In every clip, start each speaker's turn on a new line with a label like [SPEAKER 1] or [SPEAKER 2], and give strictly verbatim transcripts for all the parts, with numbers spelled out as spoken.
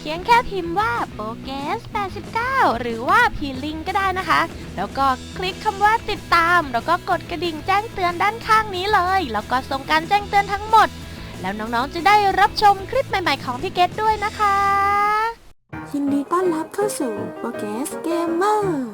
[SPEAKER 1] พียงแค่พิมพ์ว่าโปเกสแปดสิบเก้าหรือว่าพีลิงก็ได้นะคะแล้วก็คลิกคำว่าติดตามแล้วก็กดกระดิ่งแจ้งเตือนด้านข้างนี้เลยแล้วก็ส่งการแจ้งเตือนทั้งหมดแล้วน้องๆจะได้รับชมคลิปใหม่ๆของพี่เกดด้วยนะคะ
[SPEAKER 2] ยินดีต้อนรับเข้าสู่โปเกสเกมเมอร์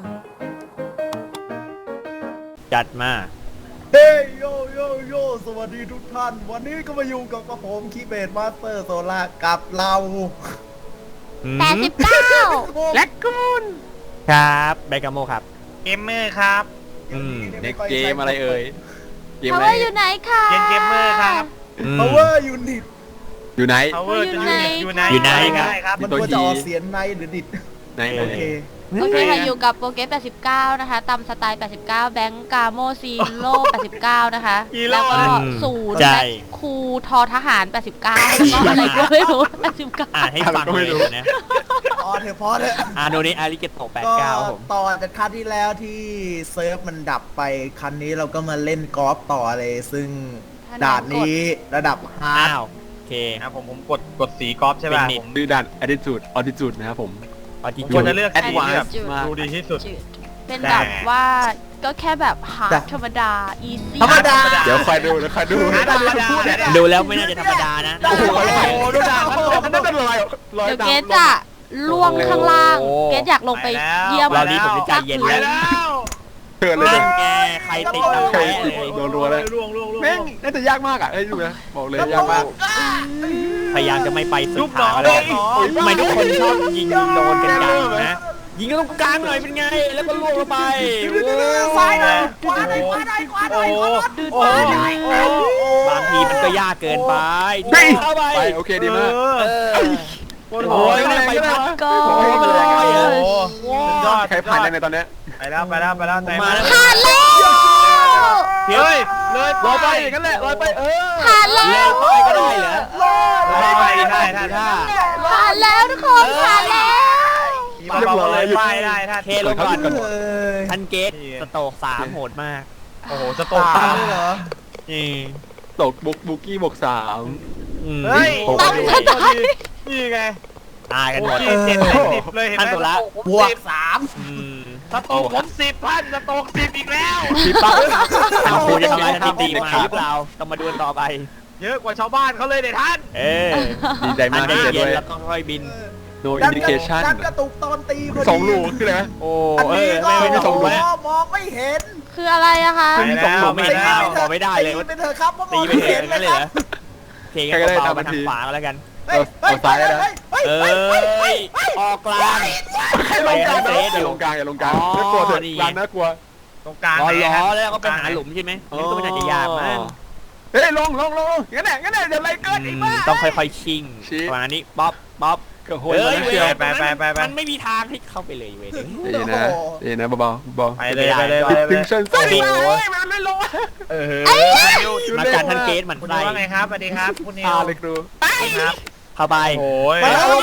[SPEAKER 3] จัดมา
[SPEAKER 4] เฮ้ยโยโยโยสวัสดีทุกท่านวันนี้ก็มาอยู่กับกระผมคีเบดมาสเตอร์โซล่ากับเรา
[SPEAKER 1] แปดสิบเก้า
[SPEAKER 4] แล็กกูน
[SPEAKER 3] ครับแบกาโมครับ
[SPEAKER 5] เกมเมอร์ครับ
[SPEAKER 3] อืมเด็กเกมอะไรเอ่ย
[SPEAKER 1] เกมอะไรอยู่ไหนคะ
[SPEAKER 5] เกมเกมเมอร์ครับ
[SPEAKER 4] Power Unit
[SPEAKER 3] อยู่ไหน
[SPEAKER 5] Power จะอยู่ไหน
[SPEAKER 3] อยู่ไหน
[SPEAKER 4] ครับมันควรจะออกเสียงในหรือดิด
[SPEAKER 3] ในโอเค
[SPEAKER 1] โอเคค่ะอยู่กับโปเกสแปดสิบเก้านะคะตามสไตล์แปดสิบเก้าแบงก์กาโมซีโร่แปดสิบเก้านะคะแล้วก็ศูนย์แบ็คคูทอทหารแปดสิบเก้าแล้วก็อะไรก็ไม่รู้แปดสิบเก้า
[SPEAKER 3] อ่านให้ฟังเลยนะ
[SPEAKER 4] อ๋อเถอะพอเถอะ
[SPEAKER 3] อ่าโนนี้อาริเกโตะแปดสิบเก้าผม
[SPEAKER 4] ต่อจากครั้งที่แล้วที่เซิร์ฟมันดับไปครั้งนี้เราก็มาเล่นกอล์ฟต่อเลยซึ่งด่านนี้ระดับฮาร์ด
[SPEAKER 3] โอเค
[SPEAKER 5] นะผมผมกดกดสีกอล์ฟใช่ป่ะ
[SPEAKER 3] ผมดูด่าน attitude attitude นะครับผม
[SPEAKER 5] ผมควรจะเลือกสีที่แบบดูดีที่สุด
[SPEAKER 1] เป็นแบบว่าก็แค่แบบฮาร์ดธรรมดาอีซี่
[SPEAKER 4] ธรรมดา
[SPEAKER 3] เดี๋ยวคอยดูนะคอยดูดูแล้วไม่น่าจะธรรมดานะ
[SPEAKER 4] โอ้โหดูด่านมันนั่นเป็นรอย
[SPEAKER 1] รอยเดี๋ยวเกสจะล่วงข้างล่างเกสอยากลงไปเยี่ยม
[SPEAKER 3] เราดีผมจะใจเย็นแล้วเกิดเลยแกใครติดตามใครเลยโดนรัวเลยแม่งน่าจะยากมากอ่ะไอ้ดูนะบอกเลยยากมากพยายามจะไม่ไปสุดทางเลยทำไมทุกคนชอบยิงโดนกันจังนะยิงก็ต้องกลางหน่อยเป็นไงแล้วก็ล่วงลงไป
[SPEAKER 4] ซ้ายหน่อยขวาหน่อยขวาหน่อยขวาหน่อย
[SPEAKER 3] โอ้บางทีมันก็ยากเกินไปเข้าไปโอเคดีมากโอ้ยไปพัดก็โอ้ยยอดใครผ่านในตอนนี้
[SPEAKER 5] ไปแล้วไปแล้วไปแล้ว
[SPEAKER 3] มาแล้ว
[SPEAKER 1] ผ่านแล้ว
[SPEAKER 5] เฮ้ยเลย
[SPEAKER 3] ลอยไปอย่างนั้นแหละลอยไปเออ
[SPEAKER 1] ผ่านแล้ว
[SPEAKER 3] ลอยก็ได้เหรอ
[SPEAKER 5] ลอยไปได้ได้ได้
[SPEAKER 1] ผ่านแล้วทุกคนผ่านแล้ว
[SPEAKER 5] เรียบร้อยไปได้ท่าน
[SPEAKER 3] เคลงก่อนท่านเกตสโตกสามโหดมาก
[SPEAKER 5] โอ้โหสโตกสามเลยเหรอ
[SPEAKER 3] นี่ตกบุกบุกี้บวกสาม
[SPEAKER 5] เฮ้ยตั้งใจนี่ไง
[SPEAKER 3] ตายกันหมด
[SPEAKER 5] เจ็ดสิบเลยเห็นไหม
[SPEAKER 3] ท่านตัวละ
[SPEAKER 4] บวกสาม
[SPEAKER 5] สโตกผมสิบท่านสโตกสิบอีกแล้ว
[SPEAKER 3] สิบปั๊บท่านครูจะทำลายทันทีมาหรือเปล่าต้องมาดูต่อไป
[SPEAKER 5] เยอะกว่าชาวบ้านเขาเลยเด็ดท่าน
[SPEAKER 3] เออดีใจมากที่จะด้วยแล้วก็ค่อยบินโดยอินดิเคชั่น
[SPEAKER 4] ดันกระตุกตอนตี
[SPEAKER 3] สองลูกคืออะไรโอ้เออไม่ไม่สองลูก
[SPEAKER 4] มองไม่เห็น
[SPEAKER 1] คืออะไรอะคะ
[SPEAKER 3] มีสองลูกไม่เห็นข้าวมองไม่ได้เลย
[SPEAKER 4] ตีไปเถอะครับเพราะมอง
[SPEAKER 3] ไม่เห็นนั่นเลยเหรอโอเคก็เบาๆมาทางขวาแล้วกันเอาซ้ายนะเอ้ยออกกลาง
[SPEAKER 4] ให้ลงกลาง
[SPEAKER 3] อย่าลงกลางอย่าลงกลางน่ากลัวเถอะกลางน่ากลัว
[SPEAKER 5] ตรงกลาง
[SPEAKER 3] ล้อแล้วก็ไปหาหลุมใช่ไหมนี่ก็ไม่น่าจะยากมากเฮ้ยลงลงลงงั้นแหละงั้นแหละเดี๋ยวอะไรเกิดอีกบ้างต้องค่อยๆชิงประมาณนี้ป๊อปป๊อปเฮ้ยเว้ยไปไปไปมันไม่มีทางที่เข้าไปเลยเว้ยดีนะดีนะเบาๆเบา
[SPEAKER 5] ไปเลยไปเลย
[SPEAKER 3] ถึงชั้นสี่
[SPEAKER 4] มันไม่ลง
[SPEAKER 3] เออมาการท่านเกตมัน
[SPEAKER 5] ไล่ว่าไงครับสวัสดีครับคุณนิว
[SPEAKER 3] เลยครูครับเข้าไป
[SPEAKER 5] โอ้ย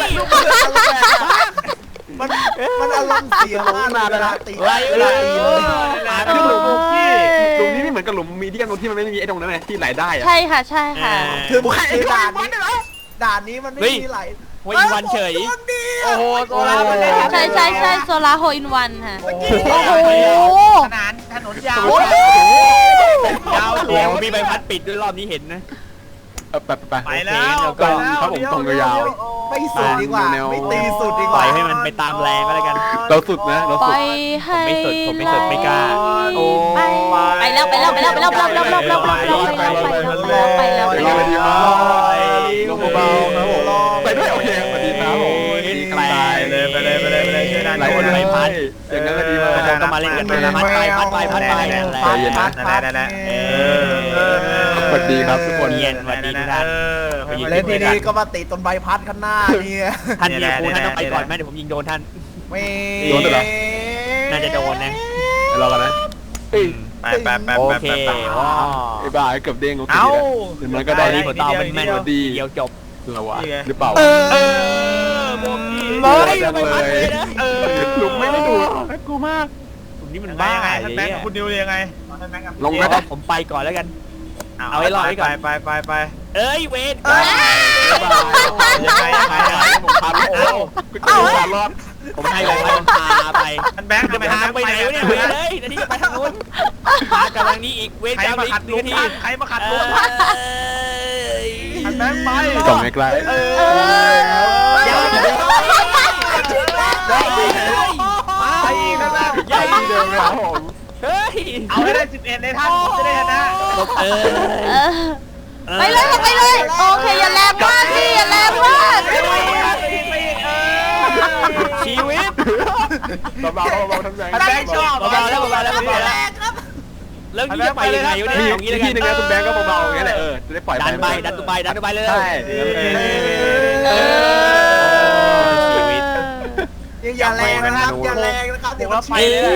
[SPEAKER 4] มันมันอารมณ์เสียมากเวลาตี
[SPEAKER 3] ไล่ไล่คือหลุมที่หลุมนี้ไม่เหมือนกับหลุมมีเดียมตรงที่มันไม่มีไอ้ตรงนั้นไงที่ไหลได้
[SPEAKER 1] ใช่ค่ะใช่ค่ะ
[SPEAKER 4] คือด่านนี้ด่านนี้มันไม่มีไหล
[SPEAKER 3] โฮอินวันเฉย
[SPEAKER 5] โอ้โหโซล่ามันเล่น
[SPEAKER 1] ใช่ใช่ใช่โซล่าโฮอินวันค่ะโอ้
[SPEAKER 5] โหถนนถนนยาวย
[SPEAKER 3] าวเดี๋ยวมีใบพัดปิดด้วยรอบนี้เห็นนะไปไป
[SPEAKER 5] ไปแล้ว
[SPEAKER 3] ก็ครับผมตรงยาว
[SPEAKER 4] ไม่สุดดีกว่าไม่ตีสุดดีกว่า
[SPEAKER 3] ปล่อยให้มันไปตามแรงก็แล้วกันเราสุดนะเราสุดผมไม่สุดผมไม่สุดไม่กล้า
[SPEAKER 1] โอ้ไปแล้วไปแล้วไปแล้วไปแล้วไปแล้วไปแล้วไปแล้วไปแล้วไปแล้วไปแล้วไปแล้ว
[SPEAKER 3] ลงเบาๆครับผมไปด้วยโอเคสวัสดีครับผม
[SPEAKER 5] ไปเลยไปเลยไปเลยไปเลยช่วยดัน
[SPEAKER 3] คนไปพัดอย่างนั้นก็ดีมากผมก็มาเล่นกันพัดไปพัดไปพัดไป
[SPEAKER 5] พัดพัดพัดได้ได้
[SPEAKER 3] สวัสดีครับทุกคนเย็นสวัสดีทุกท่าน
[SPEAKER 4] เล่นทีนี้ก็มาติดต้นใบพัดข้างหน้านี่
[SPEAKER 3] ท่านยิงกูท่านต้องไปก่อนไหมเดี๋ยวผมยิงโดนท่าน
[SPEAKER 4] ไม่
[SPEAKER 3] โดนเหรอน่าจะโดนนะรอกันนะ
[SPEAKER 5] ไปไปไป
[SPEAKER 3] โอเคว้าวไอ้บ้าเกือบเด้งโอเคเดี๋ยวมันก็ได้ที่หัวเตาเป็นแม่นดีเดียวจบเราวะหรือเปล่า
[SPEAKER 5] เออโบกี้
[SPEAKER 3] ไม่ไม่พัดเลยนะเออหลุมไม่ไม่ดูกูมากหลุมนี้มันบ้าไง
[SPEAKER 5] ท่านแบงค์กับคุณนิวยังไง
[SPEAKER 3] ลงนะผมไปก่อนแล้วกันเอาไว้รอไว้ก่อน
[SPEAKER 5] ไปไปไป
[SPEAKER 3] เอ้ยเวทยังไงยังไงผมพาไปโอ้รอด
[SPEAKER 6] ผมให้ไปพาไป
[SPEAKER 5] ท่านแบงค์
[SPEAKER 6] จะไปทางไปไหนวะเนี่ยไปเลยนาทีจะไปทางนู้นมากำลังนี้อีกเวท
[SPEAKER 5] ใคร
[SPEAKER 6] กรรม
[SPEAKER 5] มา
[SPEAKER 6] อี
[SPEAKER 5] ขั
[SPEAKER 6] ก
[SPEAKER 5] ด
[SPEAKER 6] ห
[SPEAKER 5] ลุ
[SPEAKER 6] นึ่ง
[SPEAKER 5] ง
[SPEAKER 6] นาที
[SPEAKER 5] ใครมาขัดลุง
[SPEAKER 6] ท่าน
[SPEAKER 5] แบงค์ไป
[SPEAKER 3] กล่องไม่ไกล
[SPEAKER 5] เออ
[SPEAKER 6] อย่าเลย
[SPEAKER 5] ไปอีกนะแบงค์
[SPEAKER 3] ใหญ่เดิมครับผม
[SPEAKER 6] เฮ้ย
[SPEAKER 5] เอาให้ได้สิบเอ็ดเลยท่านจะได้ชนะ
[SPEAKER 6] เอ
[SPEAKER 1] เอ
[SPEAKER 6] อ
[SPEAKER 1] อไปเลยค่ะไปเลย โอเคอย่าแรงมากพี่อย่าแรงมาก
[SPEAKER 5] ไปอีกไปอีกเออ
[SPEAKER 6] ชีวิต
[SPEAKER 3] เบาๆเบาๆทำใจ
[SPEAKER 5] ท่านแบงค์ชอบ
[SPEAKER 6] เบาๆแล้วเบาๆแล้วเบาๆแล้วแล้วนี่จะไปยังไงวะเนี่ยอย่างนี้เลย
[SPEAKER 3] ที่นึงนะคุณแบงค์ก็เบาๆอย่างนี้แหละเออจะได้ปล่อย
[SPEAKER 6] ดันไปดันตัวไปดันตัวไปเลย
[SPEAKER 3] ใช่
[SPEAKER 1] เออ
[SPEAKER 6] ชีวิต
[SPEAKER 4] อย่าแรงนะครับอย่าแรงนะครับเดี๋ยวมัน
[SPEAKER 5] ไป
[SPEAKER 4] ไป
[SPEAKER 5] เลย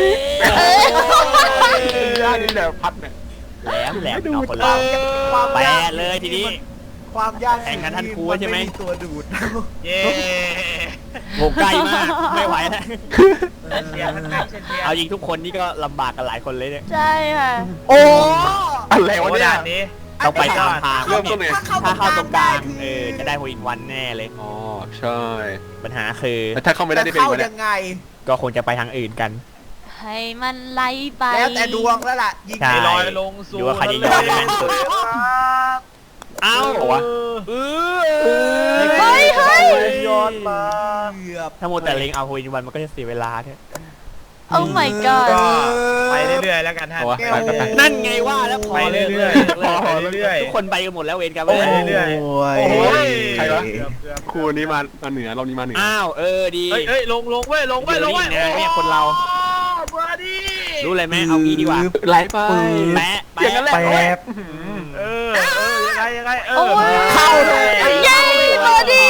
[SPEAKER 3] ย่านี่แหละพัดเนี่ย
[SPEAKER 6] แหลมแหลมเอาคนเราแปะเลยทีนี้
[SPEAKER 4] ความยาก
[SPEAKER 6] แข่งกันท่านครูใช่ไหม
[SPEAKER 4] นตัวดูด
[SPEAKER 5] เย้
[SPEAKER 6] โหใกล้มากไม่ไหวแล้ว
[SPEAKER 5] เชียร์ท่านแบงค์เชียร์
[SPEAKER 6] เอายิงทุกคนนี่ก็ลำบากกันหลายคนเลยเนี่ย
[SPEAKER 1] ใช่ค่ะ
[SPEAKER 4] โอ้
[SPEAKER 3] อะไร
[SPEAKER 5] โอ้
[SPEAKER 3] วะเนี่ย
[SPEAKER 5] ด่านนี้
[SPEAKER 6] ต้องไปตามทาง
[SPEAKER 3] เริ่มต้นเลย
[SPEAKER 6] ถ้าเข้าตรงกลางเออจะได้โฮอินวันแน่เลย
[SPEAKER 3] อ๋อใช่
[SPEAKER 6] ปัญหาคือ
[SPEAKER 3] แล้วถ้าเข้าไม่ได้
[SPEAKER 4] จะ
[SPEAKER 3] ได้เป็น
[SPEAKER 4] เข้า
[SPEAKER 3] ไง
[SPEAKER 4] ยังไง
[SPEAKER 6] ก็คงจะไปทางอื่นกัน
[SPEAKER 1] ให้มันไล่ไป
[SPEAKER 4] แล้วแต่ดวงแล้วล่ะยิง
[SPEAKER 6] ใช่
[SPEAKER 5] ลอยลงสู่
[SPEAKER 6] ดูว่าใครจะยอมได้แม่นสุด เอ้า
[SPEAKER 3] เหรอวะ
[SPEAKER 6] เออ
[SPEAKER 1] เฮ้ยเฮ้ย
[SPEAKER 5] ยอดมา
[SPEAKER 4] เกือบ
[SPEAKER 6] ถ้าโมวแต่เล็งเอาโฮอินวันมันก็จะเสียเวลาเนี่ย
[SPEAKER 1] โอ้ my god
[SPEAKER 5] ก็ไปเรื่อยๆแล้วกันท่าน
[SPEAKER 3] เอาวะไปไปไป
[SPEAKER 6] นั่นไงว่าแล้วพอ
[SPEAKER 5] ไปเรื่อยๆ
[SPEAKER 6] เลิก
[SPEAKER 5] พอเรื่อยๆ
[SPEAKER 6] ทุกคนไปกันหมดแล้วเวรกัน
[SPEAKER 5] โอ้
[SPEAKER 6] เลย
[SPEAKER 5] เรื่อย
[SPEAKER 4] โอ้ย
[SPEAKER 5] โอ้ย
[SPEAKER 3] ใครวะ
[SPEAKER 5] เกือบเกือบ
[SPEAKER 3] ครูนี้มามาเหนือเรานี้มาเหนือ
[SPEAKER 6] อ้าวเออดี
[SPEAKER 5] เฮ้ยเฮ้ยลงลงเว้ยลงเว้ยลงเว้ย
[SPEAKER 6] เดี๋ยวนี่ไงเนี่ยคนเรา
[SPEAKER 5] บราดี้
[SPEAKER 6] รู้เลยไหมเอางี้ดีกว่า
[SPEAKER 3] ไหลไป
[SPEAKER 6] แปะ
[SPEAKER 3] อย่างนั้นแหละ
[SPEAKER 4] แป๊บ
[SPEAKER 5] เออเออยังไงยังไงเอ
[SPEAKER 1] โอ้
[SPEAKER 5] อย
[SPEAKER 4] เข้าเลย
[SPEAKER 1] เย้บอดี้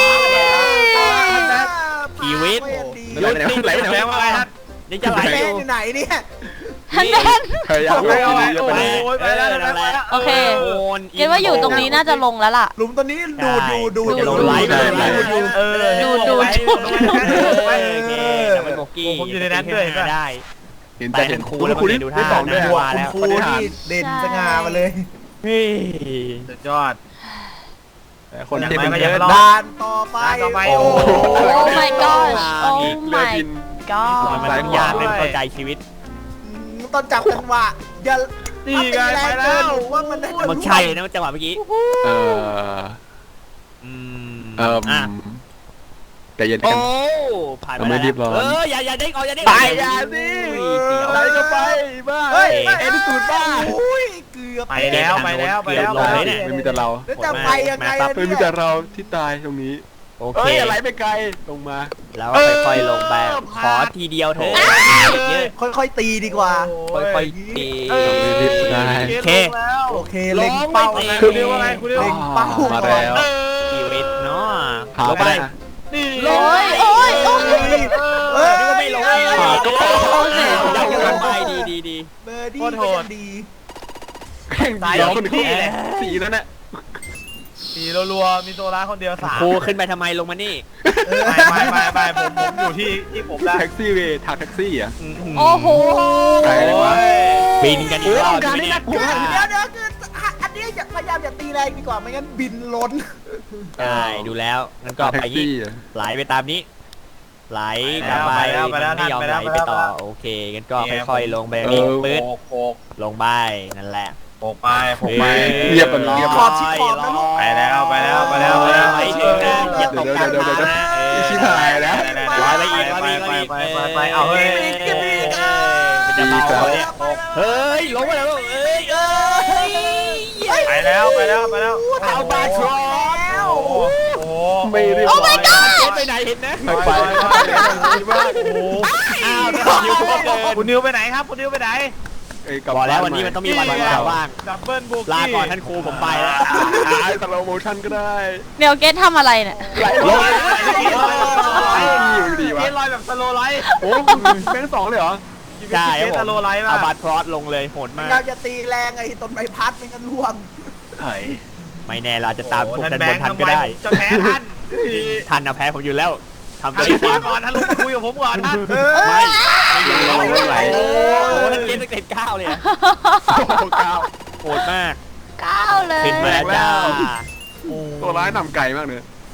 [SPEAKER 6] ชีวิต
[SPEAKER 3] ไหลไปไหนไหลไปไหน
[SPEAKER 5] แปลว่าอะไรท่าน
[SPEAKER 6] ยังจะไหล
[SPEAKER 4] แม่
[SPEAKER 6] อยู่
[SPEAKER 4] อยู่ไหนเนี่ย
[SPEAKER 1] ฮันแดน
[SPEAKER 3] พยายาม
[SPEAKER 5] ไป
[SPEAKER 3] ไป
[SPEAKER 5] เอาไป
[SPEAKER 3] เยอะ
[SPEAKER 5] โอ้
[SPEAKER 3] ไป
[SPEAKER 5] ย
[SPEAKER 3] เลย
[SPEAKER 5] ไปแล้วไปแล้ว
[SPEAKER 1] โอเค
[SPEAKER 6] โอน
[SPEAKER 1] เกดว่าอยู่ตรงนี้น่าจะลงแล้วล่ะ
[SPEAKER 4] หลุมตัวนี้ดูดอยู่ดูด
[SPEAKER 6] จะลง
[SPEAKER 4] ดูด
[SPEAKER 6] ไลฟ์
[SPEAKER 4] ดูด
[SPEAKER 6] เลย
[SPEAKER 4] ดูดดูด
[SPEAKER 5] เออ
[SPEAKER 1] ดูดู
[SPEAKER 6] โอเคแต่ไม่โบกี้
[SPEAKER 5] ผมอยู่ในนั้นด้วย
[SPEAKER 6] ได้
[SPEAKER 3] เห็น
[SPEAKER 6] แต่
[SPEAKER 3] แต่
[SPEAKER 6] เห็
[SPEAKER 3] เห็
[SPEAKER 6] น
[SPEAKER 3] น
[SPEAKER 6] ค
[SPEAKER 3] ค
[SPEAKER 6] รู
[SPEAKER 3] รู
[SPEAKER 6] แล้ว
[SPEAKER 3] ครู
[SPEAKER 6] มัน
[SPEAKER 3] นี่
[SPEAKER 6] ดู
[SPEAKER 3] ได้
[SPEAKER 6] ท่า
[SPEAKER 3] สองด้วย
[SPEAKER 6] นะ
[SPEAKER 3] อะ
[SPEAKER 6] ว่าแล้ว
[SPEAKER 4] ครูที่เด่นสง่ามาเลย
[SPEAKER 6] เฮ้ย
[SPEAKER 5] สุดยอด
[SPEAKER 3] คนที่เป็นเยอะ
[SPEAKER 5] รอ
[SPEAKER 4] ด่านต่อไป
[SPEAKER 5] ด่านต่อไป
[SPEAKER 4] โอ้
[SPEAKER 5] โอ้
[SPEAKER 1] โอ้ my gosh โอ้
[SPEAKER 3] เรือ
[SPEAKER 1] my
[SPEAKER 3] บิน
[SPEAKER 1] god
[SPEAKER 6] มันมันยากเป็นเข้าใจชีวิต
[SPEAKER 4] ต้องจับจังหวะอย่า
[SPEAKER 5] นี่ไงไปแล้ว
[SPEAKER 4] ว่ามันได้
[SPEAKER 6] มันใช่นะจังหวะเมื่อกี้
[SPEAKER 3] เออ
[SPEAKER 6] อืม
[SPEAKER 3] เออ
[SPEAKER 6] อ่ะ
[SPEAKER 3] แต่เย็น
[SPEAKER 6] โอ้
[SPEAKER 3] กัน
[SPEAKER 6] ผ่าน
[SPEAKER 3] เราไม่รีบร้อน
[SPEAKER 6] เอออย่าอย่าเด้งออกอย่าเด้ง
[SPEAKER 3] ไปอย่าสิ
[SPEAKER 6] เสียว
[SPEAKER 3] ไหลก็ไปบ้า
[SPEAKER 4] เฮ้ย
[SPEAKER 3] เอ็นสูดบ้า
[SPEAKER 4] โอ้ยเกือบ
[SPEAKER 5] ไปแล้วไปแล้วไปแล้ว
[SPEAKER 6] เกือบลงเลยเนี่ย
[SPEAKER 3] ไม่มีแต่เรา
[SPEAKER 4] แล้วจะไปยังไง
[SPEAKER 6] มาปั๊บ
[SPEAKER 3] ไม่มีแต่เราที่ตายตรงนี้
[SPEAKER 6] โอเค
[SPEAKER 3] เอ้ยไหลไปไกลลงมา
[SPEAKER 6] แล้วก็ค่อยๆลงไปขอทีเดียวเถอะเยอะ
[SPEAKER 4] ค่อยๆตีดีกว่า
[SPEAKER 6] ค่อยๆตี
[SPEAKER 5] เออ
[SPEAKER 6] โอเค
[SPEAKER 4] โอเคเล็งเป้า
[SPEAKER 6] ร้องไม่
[SPEAKER 4] นะ
[SPEAKER 6] ตี
[SPEAKER 5] คุณนิวว่าไงคุณนิว
[SPEAKER 4] เล็งเป้า
[SPEAKER 3] มาแล้ว
[SPEAKER 6] ชีวิตเนาะ
[SPEAKER 3] หา
[SPEAKER 6] ลง
[SPEAKER 3] ไป
[SPEAKER 6] ไป
[SPEAKER 5] นี่
[SPEAKER 1] โอ้ยโอ้ยโอ้ย
[SPEAKER 4] เอ้ย
[SPEAKER 6] นึกว่าไม่ลง
[SPEAKER 3] หาก็พอ
[SPEAKER 6] ยังจะลงไปดีดีดี
[SPEAKER 4] เบอร์ดี้ก็ยังดี
[SPEAKER 3] แข่งเดียวคนที่สีแล้วเนี่ย
[SPEAKER 5] สีรัวๆมีตัวร้ายคนเดียวสาม
[SPEAKER 6] ครูขึ้นไปทำไมลงมานี่
[SPEAKER 5] ไม่ไม่ไม่ไม่ผมผมอยู่ที่ที่ผมแล้ว
[SPEAKER 3] แท็กซี่เวย์ถักแท็กซี่อ่ะ
[SPEAKER 1] โอ้โห
[SPEAKER 3] ไกลเลยวะ
[SPEAKER 6] บินกันอีกรอบใช่ไหมเนี่ย
[SPEAKER 4] เดี๋ยวเดี๋ยวคืออันนี้อย่าพยายามอย่าตีแรงดีกว่าไม่งั้นบินล้น
[SPEAKER 6] ใช่ดูแล้วงั้นก็
[SPEAKER 3] แท็
[SPEAKER 6] ไป
[SPEAKER 3] ก
[SPEAKER 6] ยี่
[SPEAKER 3] ซี่อ่ะ
[SPEAKER 6] ไหลไปตามนี้ ไหลกลับไปมันไม่ยอมไหลไปต่อโอเคงั้นก็ค่อยๆลงไปนี่ปื๊ด
[SPEAKER 5] โปกโปก
[SPEAKER 6] ลงไปนั่นแหละ
[SPEAKER 5] โปกไปโปกไป
[SPEAKER 3] เรียบกันเรียบ
[SPEAKER 4] ขอบชิดขอบนะลูก
[SPEAKER 5] ไปแล้วไปแล้วไปแล้วไปแล้ว
[SPEAKER 6] ไปถึงนะอย่าตกกลางทางนะเออ
[SPEAKER 3] ชิบหายแล้ว
[SPEAKER 6] ร้อยไปอีกร้อยไปอีก
[SPEAKER 5] ไป
[SPEAKER 6] ร้อย
[SPEAKER 5] ไป
[SPEAKER 6] อีก
[SPEAKER 5] ไปไปเอาเฮ้ย
[SPEAKER 6] มันจะเบาเนี่ยเฮ้ยลงไปแล้วเอ้ยเอ้ย
[SPEAKER 5] ไปแล้วไปแล้วไปแล้ว
[SPEAKER 6] เอาบาทรอ
[SPEAKER 5] โอ้โหโอ้โห
[SPEAKER 3] ไม่เรียบ
[SPEAKER 1] โอ้ my
[SPEAKER 3] ร้อย
[SPEAKER 1] god
[SPEAKER 6] ไปไหนเห็นนะ
[SPEAKER 3] ไปไปดีมาก
[SPEAKER 5] โอ้โห
[SPEAKER 6] อ้าวนิวก็เกิน
[SPEAKER 5] คุณนิวไปไหนครับคุณนิวไปไหน
[SPEAKER 6] บอกแล้ววันนี้มันต้องมีวันวันว่าง
[SPEAKER 5] ดับเบิลบุก
[SPEAKER 6] ลาก่อนท่านครูผมไปแล้ว
[SPEAKER 3] อ่าสโลโมชั่นก็ได้
[SPEAKER 1] เดี๋ยวเกดทำอะไรเนี่ย
[SPEAKER 3] ไหลลงอยู่ดีวะ
[SPEAKER 5] เกลอยแบบสโลไลท์
[SPEAKER 3] โอ้แบงค์สองเลยเหรอ
[SPEAKER 6] ใช่
[SPEAKER 5] เก
[SPEAKER 6] ครับ
[SPEAKER 5] ส
[SPEAKER 6] ผม
[SPEAKER 5] โลไลท์
[SPEAKER 6] เอา
[SPEAKER 5] มา
[SPEAKER 6] บาทพรอสลงเลยโหดมาก
[SPEAKER 4] เราจะตีแรงไอ้ต้นใบพัดไม่งั้นร่วง
[SPEAKER 3] ไอ้
[SPEAKER 6] ไม่แน่เราจะตามพวก
[SPEAKER 5] ท่า
[SPEAKER 6] ท่าน น
[SPEAKER 5] แบบ ง
[SPEAKER 6] น
[SPEAKER 5] ค์
[SPEAKER 6] ทัน
[SPEAKER 5] ทำ
[SPEAKER 6] ก็
[SPEAKER 5] ไม
[SPEAKER 6] ได้
[SPEAKER 5] จะแพ้ท่าน
[SPEAKER 6] ทันนะแพ้ผมอยู่แล้วทำ
[SPEAKER 5] ท่า
[SPEAKER 6] ตัวน นี้
[SPEAKER 5] ก่อนท่านลุงคุยกับผมก่อนท่าน
[SPEAKER 6] ไม่ไม่ไหว
[SPEAKER 3] โอ้
[SPEAKER 6] โอ้ท่านเกมตั้งแต่เก้าเลย
[SPEAKER 3] โหเก้า
[SPEAKER 6] โหดมาก
[SPEAKER 1] ก้าวเลย
[SPEAKER 6] ขึ้นมาแล้วจ้า
[SPEAKER 3] ตัวร้ายนำไก่มากเลย
[SPEAKER 6] ค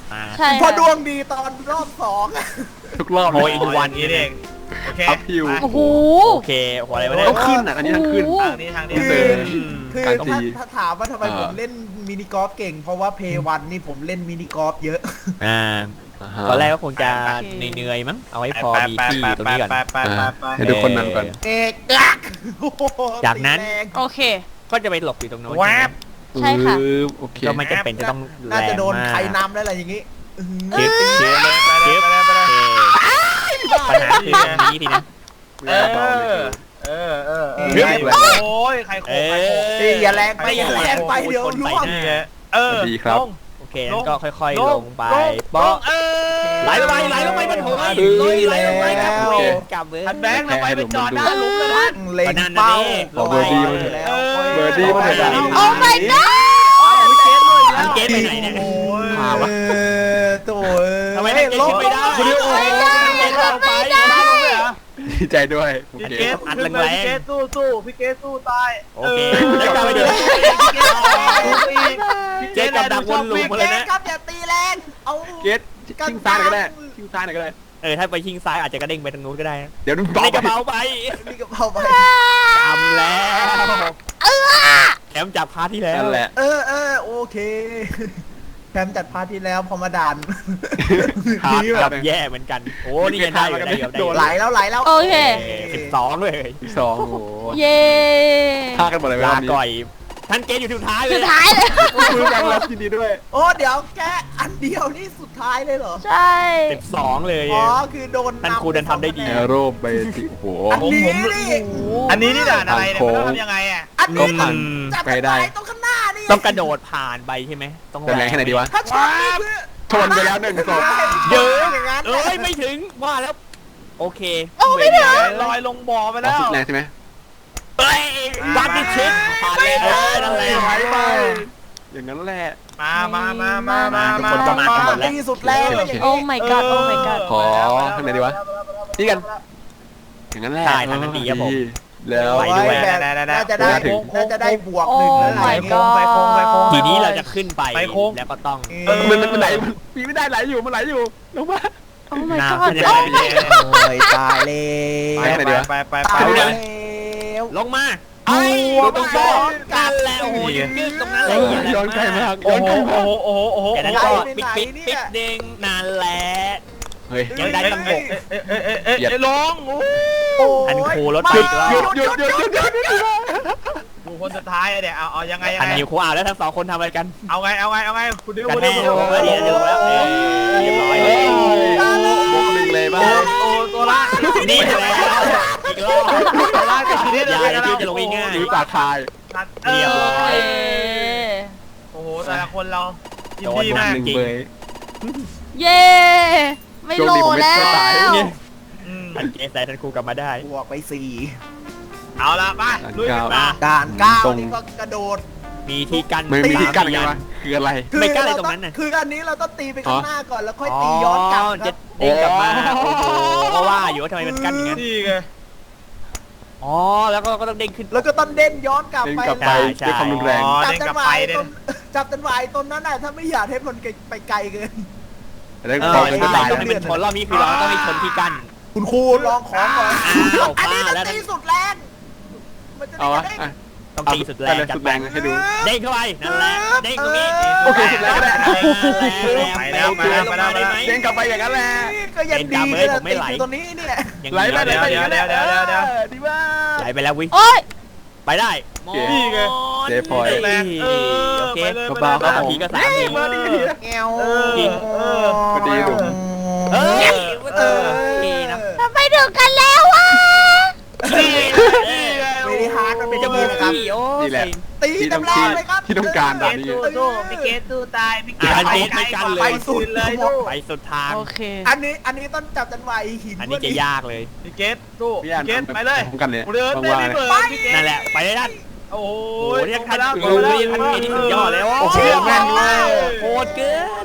[SPEAKER 6] อ่า
[SPEAKER 1] ใช่
[SPEAKER 4] พอ
[SPEAKER 1] ค่ะ
[SPEAKER 4] ดวงดีตอนรอบสอง
[SPEAKER 3] ทุกรอบ
[SPEAKER 6] โอ้ยทุกวัน
[SPEAKER 5] นี้เองโอเค
[SPEAKER 3] อัพฮิว
[SPEAKER 1] โอ้โห
[SPEAKER 6] โอเคหัวอะไรวะเนี่ย
[SPEAKER 3] ต้องขึ้นอ่ะอันนี้ทางขึ้น
[SPEAKER 5] ทางนี้ทางนี้
[SPEAKER 4] คือ
[SPEAKER 3] เออ
[SPEAKER 4] คือ
[SPEAKER 3] การตี
[SPEAKER 4] ถ้าถ้าถามว่าทำไม
[SPEAKER 3] อ่า
[SPEAKER 4] ผมเล่นมินิกอล์ฟเก่ง เพราะว่าเพย์วันนี่ผมเล่นมินิกอล์ฟเยอะ
[SPEAKER 6] อ่า
[SPEAKER 3] าฮะ
[SPEAKER 6] ตอนแรกก็คงจะ
[SPEAKER 1] โอเค
[SPEAKER 6] เหนื่อยๆมั้งเอาไว้พอมีที่ตรงนี้ก่อน
[SPEAKER 5] ไปไปไปไป
[SPEAKER 3] ให้ดูคนนั้นก่อน
[SPEAKER 4] เอกอักโอ้โห
[SPEAKER 6] จากนั้น
[SPEAKER 4] ตีแรง
[SPEAKER 1] โอเค
[SPEAKER 6] ก็จะไปหลบอยู่ตรงโน้น
[SPEAKER 5] แวบ
[SPEAKER 1] ใช่ค่ะ
[SPEAKER 3] ปึ๊บโอเค
[SPEAKER 6] ก็ไม่จำเป็นจะต้องแร
[SPEAKER 4] น่าง จะโดน
[SPEAKER 6] มาก
[SPEAKER 4] ใครนำแล้วอะไรอย่างงี้อื้อหือ
[SPEAKER 6] เชฟเชฟ
[SPEAKER 5] ไปเลยไปเลยไปเลยไปเลย
[SPEAKER 6] ปัญหาคือตรงนี้ทีนะ
[SPEAKER 5] เออเออเออเออ
[SPEAKER 3] เฮ้ย
[SPEAKER 5] โอ้ยใครโขกใครโขก
[SPEAKER 6] เอ
[SPEAKER 4] ตีอย่าแรงไป
[SPEAKER 6] ไม่
[SPEAKER 4] อย่าแรงไปเดี๋ยว
[SPEAKER 6] คน
[SPEAKER 4] ร่
[SPEAKER 6] ใส่
[SPEAKER 4] วง
[SPEAKER 6] หน้า
[SPEAKER 5] นี่ไงเออ
[SPEAKER 3] สวัสดีครับ
[SPEAKER 5] ลง
[SPEAKER 6] โอเคงั้นก็ค่อยๆ ลงไป
[SPEAKER 5] ล
[SPEAKER 6] โป๊ะ
[SPEAKER 5] เออ
[SPEAKER 6] ไหลลงไปไหลลงไปมันโถย
[SPEAKER 4] ดี
[SPEAKER 6] ไหลลงไปกลับ
[SPEAKER 4] แล้ว
[SPEAKER 6] เวรกลับเวร
[SPEAKER 5] ท่านแบงค์ทำไมไปจอดหน้าหลุมเลยท่าน
[SPEAKER 4] เล็ง
[SPEAKER 6] ก็นั่นน่ะ
[SPEAKER 4] เป้า
[SPEAKER 6] ดิ
[SPEAKER 3] ขอเบอร์ดีมาเถอะ
[SPEAKER 4] แล้ว
[SPEAKER 3] เบอร์ดี้มาเถอะ
[SPEAKER 1] โอ้ my god
[SPEAKER 6] ทันเกตไปไหนเนี่ย
[SPEAKER 5] โอ้ย
[SPEAKER 3] พาวะ
[SPEAKER 4] เออโถ่เอ้ย
[SPEAKER 6] ทำไมทันเกต
[SPEAKER 4] ลง
[SPEAKER 6] ขึ้นไม่ได้
[SPEAKER 4] คุณดิโอ
[SPEAKER 6] ทันเกตลงไป
[SPEAKER 3] ดีใจด้วยโอ
[SPEAKER 5] พี่
[SPEAKER 3] เค
[SPEAKER 5] เกส
[SPEAKER 6] อัด
[SPEAKER 5] ขึ้น
[SPEAKER 6] แรงๆ
[SPEAKER 5] เลยพี่เกสสู้สู้พี่เกสสู้ตาย
[SPEAKER 6] โอเคแล้วกลับไปดู
[SPEAKER 5] พี่เกสสู้อีก
[SPEAKER 6] เจ๊กับดักวนลูปมาเลยนะ
[SPEAKER 4] ครับอย่าตีแรงเอา
[SPEAKER 3] เกตชิงซ้ายหน่อยก็ได้ชิงซ้ายหน่อยก็ได้
[SPEAKER 6] เออถ้าไปชิงซ้ายอาจจะกระเด้งไปทางนู้นก็ได้นะ
[SPEAKER 3] เดี๋ยวดู
[SPEAKER 6] ในกระเป๋าไป
[SPEAKER 4] มีกระเพราไป
[SPEAKER 6] จำแล้วแถมจับพาร์ทที่แล้ว
[SPEAKER 3] นั่นแหละ
[SPEAKER 4] เออเออโอเคแถมจัดพาร์ทที่แล้วพอมาด่าน
[SPEAKER 6] พาร์ท
[SPEAKER 4] นี่แบ
[SPEAKER 6] จั
[SPEAKER 4] บบ
[SPEAKER 6] แย่เหมือนกันโอ้นี่ยังได้อยู่ได้อยู่ได้อยู่
[SPEAKER 4] ไหลแล้วไหลแล้ว
[SPEAKER 1] โอเค
[SPEAKER 6] สิบสองเลย
[SPEAKER 3] ที่สองโอ้โห
[SPEAKER 1] เย้
[SPEAKER 3] ฆ่ากันหมดเลย
[SPEAKER 6] ลา
[SPEAKER 3] วันนี้
[SPEAKER 6] ก่อยท่านเกตอยู่สุดท้ายเลย
[SPEAKER 1] สุดท้ายเลย
[SPEAKER 3] คุยกันแล้วยินดีด้วย
[SPEAKER 4] โอ้เดี๋ยวแค่อันเดียวนี่สุดท้ายเลยเหรอ
[SPEAKER 1] ใช่
[SPEAKER 6] สิบสองเลย
[SPEAKER 4] อ๋อคือโดน
[SPEAKER 6] ท่านครูเดินทำได้ดี
[SPEAKER 3] แอโรเบติโอ้โห
[SPEAKER 4] อันนี้นี่
[SPEAKER 5] อันนี้นี่ด่านอะไรเนี่ยมันต้องทำยังไงอ่ะ
[SPEAKER 4] อัน
[SPEAKER 3] ก็
[SPEAKER 4] นี้
[SPEAKER 3] ผ่าน
[SPEAKER 4] จับ
[SPEAKER 3] ไปได้
[SPEAKER 4] ตรงข้างหน้านี่
[SPEAKER 6] ต้องกระโดดผ่านไปใช่ไหมต้อง
[SPEAKER 3] แต่แรงแค่ไหนดีวะ
[SPEAKER 4] ถ้าชนนี่คือ
[SPEAKER 3] ชนไปแล้วหนึ่งศพ
[SPEAKER 6] เยอะ
[SPEAKER 4] อย่างนั้น
[SPEAKER 6] เอ้ยไม่ถึงว่าแล้ว โอเค
[SPEAKER 1] โอ้ไม่ถึง
[SPEAKER 5] ลอยลงบ่อไป
[SPEAKER 3] อ๋อ
[SPEAKER 5] แล้ว
[SPEAKER 3] สุดแรงใช่ไหม
[SPEAKER 6] เฮ้ยวัดดิชิดผ่านแล้วเออนั่นแหละ
[SPEAKER 3] ไหลไปอย่างนั้นแหละ
[SPEAKER 5] มามามามามา
[SPEAKER 6] ทุกคนก็มากันหมดแล้ว
[SPEAKER 4] ที่สุดแล้วอย่าง
[SPEAKER 1] โอ้
[SPEAKER 4] นี้
[SPEAKER 1] my god โอ้ my god
[SPEAKER 3] ขอข้างในดีวะนี่กัน อย่างนั้นแหละ
[SPEAKER 6] ใช่ทางนั้นดีครับผม
[SPEAKER 3] แล้ว
[SPEAKER 6] ไปด้วย
[SPEAKER 4] แบบน่าจะได้
[SPEAKER 3] ถึง
[SPEAKER 4] น่าจะได้บวก
[SPEAKER 1] โอ้
[SPEAKER 4] หนึ่งแล้ว
[SPEAKER 1] my
[SPEAKER 4] อะไร
[SPEAKER 1] god
[SPEAKER 5] ไปโค้งไปโค้ง
[SPEAKER 6] ทีนี้เราจะขึ้นไป
[SPEAKER 5] ไปโค้ง
[SPEAKER 6] แล้วก็ต้อง
[SPEAKER 3] เออมันมันมันไหลมันมีไม่ได้ไหลอยู่มันไหลอยู่ลงมา
[SPEAKER 1] โอ้ my
[SPEAKER 6] น้ำ
[SPEAKER 1] god
[SPEAKER 6] มันจะ
[SPEAKER 1] โอ้
[SPEAKER 6] ไหล
[SPEAKER 1] my
[SPEAKER 6] ไป
[SPEAKER 1] god
[SPEAKER 4] โอ้ยตายแล้
[SPEAKER 3] ไป
[SPEAKER 4] ว
[SPEAKER 3] ไหนดีวะ
[SPEAKER 5] ไปไป
[SPEAKER 4] ตา
[SPEAKER 5] ไป
[SPEAKER 4] ย
[SPEAKER 5] ไป
[SPEAKER 4] แล้ว
[SPEAKER 6] ลงมา
[SPEAKER 4] โอ้
[SPEAKER 6] ไอ้
[SPEAKER 4] โห
[SPEAKER 6] ตรงซ้อนกันแล้วโอ้โหยืนยืนตรงนั้นเลย
[SPEAKER 3] ย้อนไกลมาก
[SPEAKER 5] โอ้
[SPEAKER 3] ย้อน
[SPEAKER 5] โห
[SPEAKER 3] ไกลมาก
[SPEAKER 5] โอ้โหโอ้โหโอ้โห
[SPEAKER 6] จากนั้น
[SPEAKER 5] โอ้
[SPEAKER 6] ก็
[SPEAKER 5] โห
[SPEAKER 6] ปิดปิดปิดเด้งนานแหละ
[SPEAKER 3] เฮ้ย
[SPEAKER 6] ยังได้ตั้งหก
[SPEAKER 5] เอ๊ะเอ๊ะเอ๊ะเอ๊ะเอ๊ะลงโอ้
[SPEAKER 4] โอ้ย
[SPEAKER 6] อันครูรถ
[SPEAKER 4] ไม่
[SPEAKER 6] ติดแล้ว
[SPEAKER 3] หยุดหยุดหยุดหยุดหยุดหยุดหยุด
[SPEAKER 5] ดูคนสุดท้ายอะเดี๋ยวเอาเอายังไงยัง
[SPEAKER 6] อัน
[SPEAKER 5] ไง
[SPEAKER 6] นิวครูอ่าวแล้วทั้งสองคนทำอะไรกัน
[SPEAKER 5] เอาไงเอาไงเอาไงคุณดิว
[SPEAKER 6] กัน
[SPEAKER 5] คุณดิ
[SPEAKER 6] แน่
[SPEAKER 5] วคุณดิว
[SPEAKER 6] โอ้ยเดี๋ยวจะลงแล้วเออเรียบร้อย
[SPEAKER 3] เฮ้
[SPEAKER 6] เลย
[SPEAKER 3] ยบวกหนึ่งเลยบ้า
[SPEAKER 5] โอ้
[SPEAKER 3] ง
[SPEAKER 5] โอ้ตัวละ
[SPEAKER 6] นี่แล้วอีกรอบ
[SPEAKER 5] ตัวละกับทีนี้
[SPEAKER 6] อย่า
[SPEAKER 5] เลย
[SPEAKER 6] อย่า
[SPEAKER 5] นะ
[SPEAKER 6] จะลงง่าย
[SPEAKER 3] หรือตาคาย
[SPEAKER 5] เรี
[SPEAKER 6] เรี
[SPEAKER 5] ย
[SPEAKER 6] ย
[SPEAKER 5] บบ ร้
[SPEAKER 6] ร้
[SPEAKER 5] อ
[SPEAKER 6] อย ย
[SPEAKER 5] โอ้โหแต่ละคนเรายิน
[SPEAKER 6] โดน
[SPEAKER 5] ดีมาก
[SPEAKER 3] หนึ่งเบย
[SPEAKER 1] เย้ ไม่โหลแล้ว
[SPEAKER 5] อืม
[SPEAKER 6] ทันเกสแต่ทันครูกลับมาได้
[SPEAKER 4] บวกไปสี่
[SPEAKER 5] เอาละมาลุยกันมา
[SPEAKER 4] ด่านเก้านี่ก็กระโดด
[SPEAKER 6] มีที่กั้น
[SPEAKER 3] ไม่มีที่กั้นไง
[SPEAKER 6] สาม
[SPEAKER 3] วะคืออะไร
[SPEAKER 6] ไม่กล้าอะไรตรงนั้นน่ะ
[SPEAKER 4] คืออันนี้เราต้องตีไปข้างหน้าก่อนแล้วค่อย
[SPEAKER 6] อ๋อ
[SPEAKER 4] ตีย้อนกลับค
[SPEAKER 6] จะ
[SPEAKER 4] รับ
[SPEAKER 6] เด้งกลับมาโอ้โหก็ว่าอยู่ว่าทำไมมันกั้นอย่างนั้น
[SPEAKER 5] นี่ไง
[SPEAKER 6] อ๋อแล้วก็ก็ต้องเด้งขึ้น
[SPEAKER 4] แล้วก็ต้องเด่นย้อนกลับไป
[SPEAKER 3] เด้งกลับไป
[SPEAKER 6] ใช่
[SPEAKER 3] ด้วยความรุนแรง
[SPEAKER 5] อ๋อ
[SPEAKER 4] จับ
[SPEAKER 5] เด้ง
[SPEAKER 4] จั
[SPEAKER 5] กลั
[SPEAKER 4] ง
[SPEAKER 5] บ
[SPEAKER 4] หวะ
[SPEAKER 5] ไป
[SPEAKER 4] ไอ้
[SPEAKER 5] เด้
[SPEAKER 4] ต้นจับจังหวะไอ้ต้นนั้นน่ะถ้าไม่อยากให้มันไปไกลเกิน
[SPEAKER 3] แล้ว
[SPEAKER 6] เอ
[SPEAKER 3] พอ
[SPEAKER 6] อ
[SPEAKER 3] มัน
[SPEAKER 6] ใช่
[SPEAKER 3] ก็ตาย
[SPEAKER 6] ต้องให้มันชนรอบนี้คือเราต้องให้ชนที่กั้น
[SPEAKER 4] คุณครูลองของก่อน
[SPEAKER 6] อ้าว
[SPEAKER 4] อันนี้
[SPEAKER 6] ป้า
[SPEAKER 4] มัน
[SPEAKER 6] แล้ว
[SPEAKER 4] ตีสุดแรงมันจะ
[SPEAKER 3] เอา
[SPEAKER 4] ได้
[SPEAKER 3] วะ
[SPEAKER 4] กระเด้ง
[SPEAKER 3] อ่ะ
[SPEAKER 6] ต้องตีสุดแรง
[SPEAKER 3] เอา
[SPEAKER 6] จัด
[SPEAKER 3] สุด
[SPEAKER 6] ไป
[SPEAKER 3] แรงให้ดู
[SPEAKER 6] เด้งเข้าไปนั่นแหละเด้งตรงนี้
[SPEAKER 3] โอเคสุดแรงก็ได้
[SPEAKER 5] ไปแล้วไปแล้วไปแล้วไปแล้ว
[SPEAKER 3] เด้งกลับไปอย่างนั้นแหละ
[SPEAKER 4] นี่ก็ยังดีเลยนะติดอยู่ตรงนี้เนี่ย
[SPEAKER 6] อย่าง
[SPEAKER 3] ไหล
[SPEAKER 6] นี้
[SPEAKER 3] ไปไหลไป
[SPEAKER 5] เดี๋ยวเดี๋ยวเดี๋ยวเดี๋ยวเดี๋ยว
[SPEAKER 4] ออดีมาก
[SPEAKER 6] ไหลไปแล้ววิ
[SPEAKER 1] โอ้ย
[SPEAKER 6] ไปได้
[SPEAKER 3] โอเค
[SPEAKER 5] นี่ไง
[SPEAKER 3] เจ๊พลอย
[SPEAKER 5] แรงเออ
[SPEAKER 6] โอเค
[SPEAKER 5] ไปเลย
[SPEAKER 3] เบาๆ
[SPEAKER 5] ไป
[SPEAKER 6] สาม
[SPEAKER 5] เลย
[SPEAKER 6] ทีก็สามที
[SPEAKER 3] มาดิ
[SPEAKER 4] แงว
[SPEAKER 5] เออเออ
[SPEAKER 3] พอดีหนุ่ม
[SPEAKER 6] เอ้ย
[SPEAKER 4] เออ
[SPEAKER 6] โอเคนะ
[SPEAKER 1] ทำไมถึงกันแล้ววะ
[SPEAKER 5] นี่นี่ไง
[SPEAKER 4] ไม่ได้ฮาร์ดมันเป็น
[SPEAKER 6] จะ
[SPEAKER 4] จ
[SPEAKER 6] มื
[SPEAKER 4] มู
[SPEAKER 6] อก
[SPEAKER 4] ครับ
[SPEAKER 6] พี่โอ้
[SPEAKER 3] นี่แหละ
[SPEAKER 4] ตีเต็มแรงเลยครับ
[SPEAKER 3] ที่ต้องการ
[SPEAKER 5] พี่เกตสู้สู้พี่เกตสู้ตายพี่เกต
[SPEAKER 6] อ่ะเกตไม่กันเลย
[SPEAKER 5] ไปสุดเลยสู้
[SPEAKER 6] ไปสุดทาง
[SPEAKER 1] โอเค
[SPEAKER 4] อันนี้อันนี้ต้องจับจังหวะไอ้หิน
[SPEAKER 6] อันนี้จะยากเลย
[SPEAKER 5] พี่เกตสู้
[SPEAKER 3] พี่อ่าน
[SPEAKER 5] พี่เกตไปเลย
[SPEAKER 3] พร้อมกันเลย
[SPEAKER 5] เดินเต้น
[SPEAKER 3] ว่าง
[SPEAKER 5] นี่
[SPEAKER 3] ๆ
[SPEAKER 5] เบิ
[SPEAKER 3] เลย
[SPEAKER 5] ร์พี่เกต
[SPEAKER 6] นั่นแหละไปได้ด้าน
[SPEAKER 5] โอ้
[SPEAKER 6] โอ้
[SPEAKER 5] โห
[SPEAKER 6] โหเนี่ยคัน
[SPEAKER 5] ลง
[SPEAKER 6] โอ้
[SPEAKER 5] ไป
[SPEAKER 6] ย
[SPEAKER 5] แล้ว
[SPEAKER 6] คันนี้สุดยอดแล้ว
[SPEAKER 3] โอ้โหแม่นมาก
[SPEAKER 6] โคตรเกิน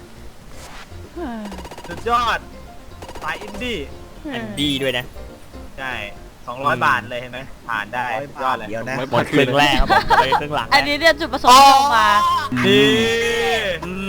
[SPEAKER 5] สุดยอดสายอินดี้
[SPEAKER 6] อันดีด้วยนะ
[SPEAKER 5] ใช่สองร้อยบาทเลยเห็นไหมผ่านได้สุดยอดเลย
[SPEAKER 4] เดี๋ยวนะ
[SPEAKER 6] หมดครึ่งแรกครับผมไปครึ่งหลัง
[SPEAKER 1] อันนี้เนี่ยจุดประสงค์ที่ลงมา
[SPEAKER 5] นี่
[SPEAKER 6] อืม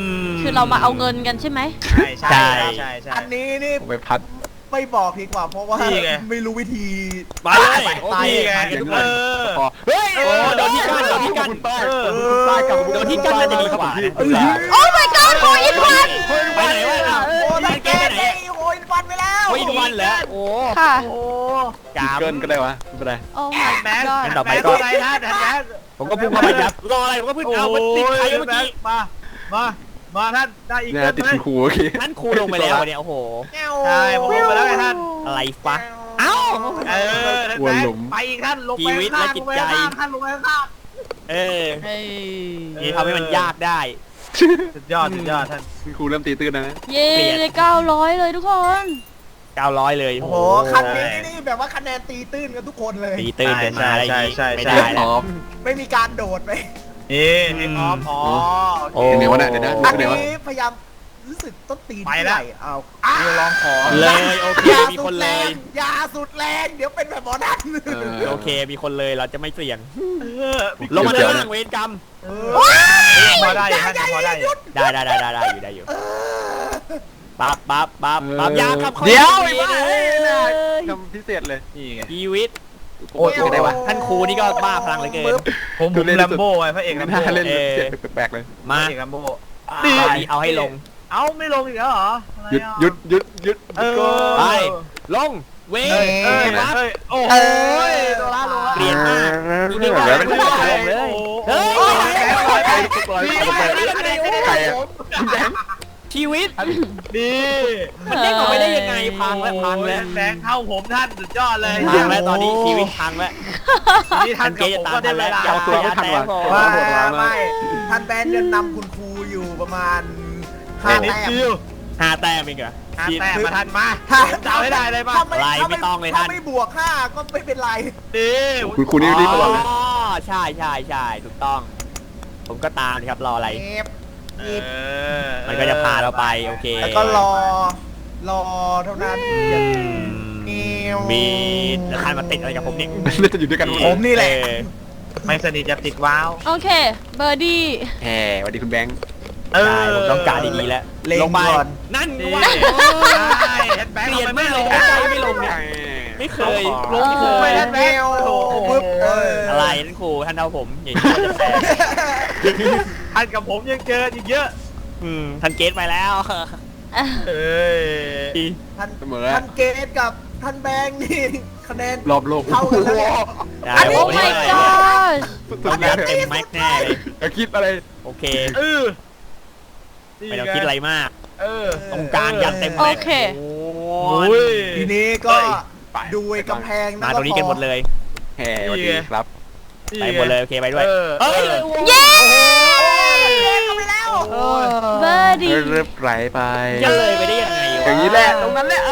[SPEAKER 1] คือเรามาเอาเงินกันใช่ไหม
[SPEAKER 5] ใช่ใช่ใช่ใช่
[SPEAKER 4] อันนี้นี่
[SPEAKER 3] ผมไปพัด
[SPEAKER 4] ไม่บอกดีกว่าเพราะว่า
[SPEAKER 5] นี่ไง
[SPEAKER 4] ไม่รู้วิธี
[SPEAKER 6] ไปเลยโอ
[SPEAKER 4] ตาย
[SPEAKER 6] เค
[SPEAKER 5] ไง เออ
[SPEAKER 3] พอ
[SPEAKER 6] เฮ้ยโอ้โดนที่กันโดนที่กัน
[SPEAKER 3] เออใต้กับ
[SPEAKER 6] โดนที่กันน่าจะดีกว่านะ
[SPEAKER 1] โอ้ my god โอ้อินวัน
[SPEAKER 6] ไปไหนวะ
[SPEAKER 4] โอ้
[SPEAKER 6] มั
[SPEAKER 4] ท่าน น
[SPEAKER 6] เก
[SPEAKER 4] เก
[SPEAKER 6] ม
[SPEAKER 4] ต
[SPEAKER 6] ไปไหน
[SPEAKER 4] ได้โอ้ยวันไปแล้ว
[SPEAKER 6] โอ้ยวันเหรอโอ้
[SPEAKER 1] ค่ะ
[SPEAKER 5] โอ้
[SPEAKER 6] กาม
[SPEAKER 3] เกินก็ได้วะไม่เป็นไร
[SPEAKER 1] โอ้ my
[SPEAKER 5] แม็ก
[SPEAKER 1] god
[SPEAKER 6] งั้นต่อไป
[SPEAKER 5] แม็ก
[SPEAKER 6] ก็
[SPEAKER 5] อะไรท่านแม็ก
[SPEAKER 6] ผมก็พุ่งเข้าไปครับรออะไรผมก็พุ่งเอามันติดใครเมื่อกี้
[SPEAKER 5] มา มา มาท่านได้อีก
[SPEAKER 3] เนี่ยติดคุณครูโอเค
[SPEAKER 6] นั่นครูลงไปแล้วเนี่ยโอ้โห
[SPEAKER 5] ใช่ผมลงไปแล้วไงท่าน
[SPEAKER 6] อะไรฟะเอ้า
[SPEAKER 5] เออท่านแม็กไปอีกท่านลงไป
[SPEAKER 6] ชีวิตและจิตใจ
[SPEAKER 5] ท่านลงไปข้าง
[SPEAKER 6] เออ
[SPEAKER 1] เฮ้ย
[SPEAKER 6] นี่ทำให้มันยากได้
[SPEAKER 5] สุดยอดสุดยอดท่าน
[SPEAKER 3] คุณครูเริ่มตีตื้นแล้วนะ
[SPEAKER 1] เย้
[SPEAKER 6] เปลี่ยน
[SPEAKER 1] เก้าร้อยเลยทุกคน
[SPEAKER 6] เก้าร้อยเลย
[SPEAKER 4] โอ้โหคันนี้นี่แบบว่าคะแนนตีตื้นกันทุกคนเลย
[SPEAKER 6] ตีตื้นเป็นมาอะไรอย่างงี้ไม่ได้
[SPEAKER 3] พ
[SPEAKER 6] แล้ว
[SPEAKER 3] ร้อม
[SPEAKER 4] ไม่มีการโดดไป
[SPEAKER 5] นี่เทคออฟอ๋อ
[SPEAKER 6] โอ้
[SPEAKER 3] เดี๋ยววะเนี่ยเดี๋ยวนะ
[SPEAKER 4] อัน
[SPEAKER 3] เดี๋ยววะ
[SPEAKER 4] นี้พยายามรู้สึกต้นตีน
[SPEAKER 5] ไปแล้ว
[SPEAKER 4] ที่หนเอาอ่ะ
[SPEAKER 5] ลองขอ
[SPEAKER 6] เลยโอเค
[SPEAKER 4] อย่า
[SPEAKER 6] มี
[SPEAKER 4] สุ
[SPEAKER 6] ค
[SPEAKER 4] ด
[SPEAKER 6] น
[SPEAKER 4] แร
[SPEAKER 6] เลย
[SPEAKER 4] งอย่าสุดแรงเดี๋ยวเป็นแบบหมอนั่น
[SPEAKER 3] เออ
[SPEAKER 6] โอเคมีคนเลยเราจะไม่เสี่ยง
[SPEAKER 5] เออ
[SPEAKER 6] ลงมาด้านล่างเวรกรรม
[SPEAKER 4] เออ
[SPEAKER 5] พอได้ท่านพอได้
[SPEAKER 6] ได้ได้ได้ได้ได้อยู่ได้อยู่ปั๊บปั๊บปั๊บปั๊บยาขับ
[SPEAKER 3] เดี๋ยว
[SPEAKER 6] ไอ้
[SPEAKER 3] ไอ้
[SPEAKER 6] บ้า
[SPEAKER 3] บ้า
[SPEAKER 6] เอ้
[SPEAKER 3] เอ้ย
[SPEAKER 6] ย
[SPEAKER 3] ทำพิเศษเลย
[SPEAKER 5] นี่ไง
[SPEAKER 6] ชีวิต
[SPEAKER 3] โอ้ยอะไรวะ
[SPEAKER 6] ท่านครูนี่ก็บ้าพลังเหลือเกิน
[SPEAKER 5] ผมผมแลมโบ้ไงพระเอกแลม
[SPEAKER 3] น่า
[SPEAKER 5] โบ้
[SPEAKER 3] เล่น
[SPEAKER 6] เออ
[SPEAKER 3] เสียงแปลกๆเลย
[SPEAKER 6] มา
[SPEAKER 5] พระเอกแลมโบ้
[SPEAKER 6] ตอนนี้เอาให้ลง
[SPEAKER 5] เอ้าไม่ลงอีกแล้วเหรอ
[SPEAKER 3] หยุดหยุดหยุดหยุด
[SPEAKER 5] เออ
[SPEAKER 6] ไปลงเว
[SPEAKER 5] เอ้ย
[SPEAKER 6] ร
[SPEAKER 5] เอ้ย
[SPEAKER 6] ปั๊บ
[SPEAKER 5] เอ้ยโอ้โหตัวละลงละ
[SPEAKER 6] เปลี่ยนมาก
[SPEAKER 3] นี่ไม่ไหวแล้วไม่ไหว
[SPEAKER 6] ลงเลย เฮ้ย
[SPEAKER 3] ใครปล่อยใครใครอะคุณแบงค์
[SPEAKER 6] ชีวิต
[SPEAKER 5] ดี
[SPEAKER 6] มันเด้งออกไปได้ยังไงพังแล้วพังแล้ว
[SPEAKER 5] แบงค์เข้าผมท่านสุดยอดเลย
[SPEAKER 6] พังแล้วตอนนี้ชีวิตพังแล้ว
[SPEAKER 5] นี่ท่านกับผมก็ได้เวลา
[SPEAKER 6] เอาตัวไม่ทันว่ะ
[SPEAKER 4] ไม่ไม่ท่านแบนยังนำคุณครูอยู่ประมาณห้า
[SPEAKER 5] นิด
[SPEAKER 4] แต้ม
[SPEAKER 5] เดียว
[SPEAKER 6] ห้าแต้มเองเหรอ
[SPEAKER 5] ห้าแต้มมาทันมา
[SPEAKER 4] ถ้า
[SPEAKER 5] เดาให้ได้เลยป่ะ
[SPEAKER 4] ถ้าไม่
[SPEAKER 6] อะไร
[SPEAKER 4] ถ้า
[SPEAKER 6] ไม่ต้องเลยท่าน
[SPEAKER 4] ถ้าไม่บวกห้าก็ไม่เป็นไร
[SPEAKER 5] ดี
[SPEAKER 3] คุณครูนี่รีบตลอดเลย
[SPEAKER 6] อ๋อใช่ใช่ใช่ถูกต้อง ผมก็ตามครับรออะไร
[SPEAKER 4] เอฟ
[SPEAKER 5] เอ
[SPEAKER 4] หยิบ
[SPEAKER 5] อ
[SPEAKER 6] มันก็จะพาเราไปโอเค
[SPEAKER 4] แล้วก็รอ รอเท่านั้น
[SPEAKER 6] อืม
[SPEAKER 4] นิว
[SPEAKER 6] มีแล้วท่านมาติดอะไรกับผมเนี่ย
[SPEAKER 3] น่าจะอยู่ด้วยกันหมด
[SPEAKER 4] ผมนี่แหละ
[SPEAKER 6] เออ
[SPEAKER 5] ไม่สนิทจะติดว้าว
[SPEAKER 1] โอเค เบอร์ดี้
[SPEAKER 3] แหมสวัสดีคุณแบงค์
[SPEAKER 5] เออ
[SPEAKER 6] ใช่ผมต้องการดีๆแล้ว
[SPEAKER 4] เล็ง
[SPEAKER 6] ลงไป
[SPEAKER 4] ก่อน
[SPEAKER 6] นั่น
[SPEAKER 5] ดี
[SPEAKER 6] ว่า
[SPEAKER 5] ใช่แฮนด์แบงค์
[SPEAKER 6] เปลี่ยน
[SPEAKER 5] อาป
[SPEAKER 6] ไม่ลง
[SPEAKER 5] ด้
[SPEAKER 6] ใจไม่ลงเนี่ยไม่เคย
[SPEAKER 5] ลง
[SPEAKER 6] ไม่เค
[SPEAKER 5] ไป
[SPEAKER 6] ย
[SPEAKER 5] แฮนด์แบงค์
[SPEAKER 4] โอ้โหปึ๊บเอออ
[SPEAKER 6] อะไรนั่นครูท่านเอาผมอย่างนี้จะแตก
[SPEAKER 5] ท่านกับผมยังเจออีกเยอะ
[SPEAKER 6] อืมท่านเกตไปแล้ว
[SPEAKER 5] เอ้ย
[SPEAKER 4] ท่าน
[SPEAKER 3] เสมอ
[SPEAKER 4] ท่านเกตกับท่านแบงค์นี่คะแนน
[SPEAKER 3] รอบโลก
[SPEAKER 4] เท่ากันแล้วเนี่ย
[SPEAKER 6] ได้
[SPEAKER 1] โอ้
[SPEAKER 6] ผม
[SPEAKER 1] my
[SPEAKER 6] เนี่ย
[SPEAKER 1] god
[SPEAKER 6] ต้องยัดเต็มแม็กแน่เลย
[SPEAKER 3] จะคิดอะไร
[SPEAKER 6] โอเค
[SPEAKER 5] เออ
[SPEAKER 6] ไม่ต้องคิดอะไรมาก
[SPEAKER 5] เออ
[SPEAKER 6] ตรงกลางยัดเต็ม
[SPEAKER 1] โอ
[SPEAKER 6] แม็ก
[SPEAKER 1] เค
[SPEAKER 6] โอ้
[SPEAKER 5] โอ้
[SPEAKER 6] ย
[SPEAKER 5] ย
[SPEAKER 4] ทีนี้ก็
[SPEAKER 3] ไป
[SPEAKER 4] ดูไอ้กำแพง
[SPEAKER 6] มาตรงนี้กันหมดเลย
[SPEAKER 3] แหมสวัสดีครับ
[SPEAKER 6] ไปหมดเลยโอเคไปด้วย
[SPEAKER 5] เออ
[SPEAKER 6] เอ้ย
[SPEAKER 1] เย้
[SPEAKER 4] เข้าไปแล้ว
[SPEAKER 5] โอ้ย
[SPEAKER 1] เบอร์ดี้
[SPEAKER 3] เริ่มไหลไป
[SPEAKER 6] จะเลยไปได้ยังไงวะ
[SPEAKER 3] อย่างนี้แหละตรงนั้นแหละ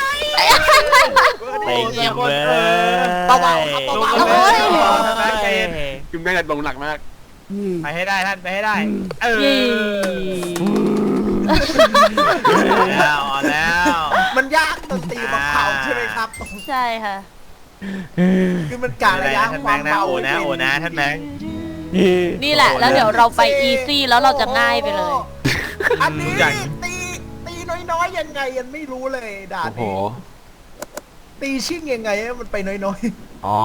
[SPEAKER 6] เต็งยิงเลย
[SPEAKER 4] เบาๆครับเบา
[SPEAKER 5] โอ้ย
[SPEAKER 3] คุณแบงค์จะลงหนักมาก
[SPEAKER 5] ไปให้ได้ท่านไปให้ได้ เออ
[SPEAKER 1] เย้
[SPEAKER 5] แล้วเอาแล้ว
[SPEAKER 4] ๆมันยากดนตรีของเขาใช่ไหมครับ
[SPEAKER 1] ใช่ค่ะ
[SPEAKER 4] คือมันกะระยะ
[SPEAKER 5] ท่าน
[SPEAKER 4] ค
[SPEAKER 5] แบ
[SPEAKER 4] วาม
[SPEAKER 5] งค์นะ
[SPEAKER 4] เบา
[SPEAKER 5] โอ้นะโอ้นะท่านแบงค์
[SPEAKER 1] นี่แหละ แล้วเดี๋ยวเราไปอีซี่แล้วเราจะง่ายไปเลย
[SPEAKER 4] อันนี้
[SPEAKER 5] ใหญ่
[SPEAKER 4] ตีตีน้อยๆยังไงยังไม่รู้เลยด่าน
[SPEAKER 3] โอ้โห
[SPEAKER 4] นี้ตีชิ่งยังไงให้มันไปน้อย
[SPEAKER 6] อ๋อ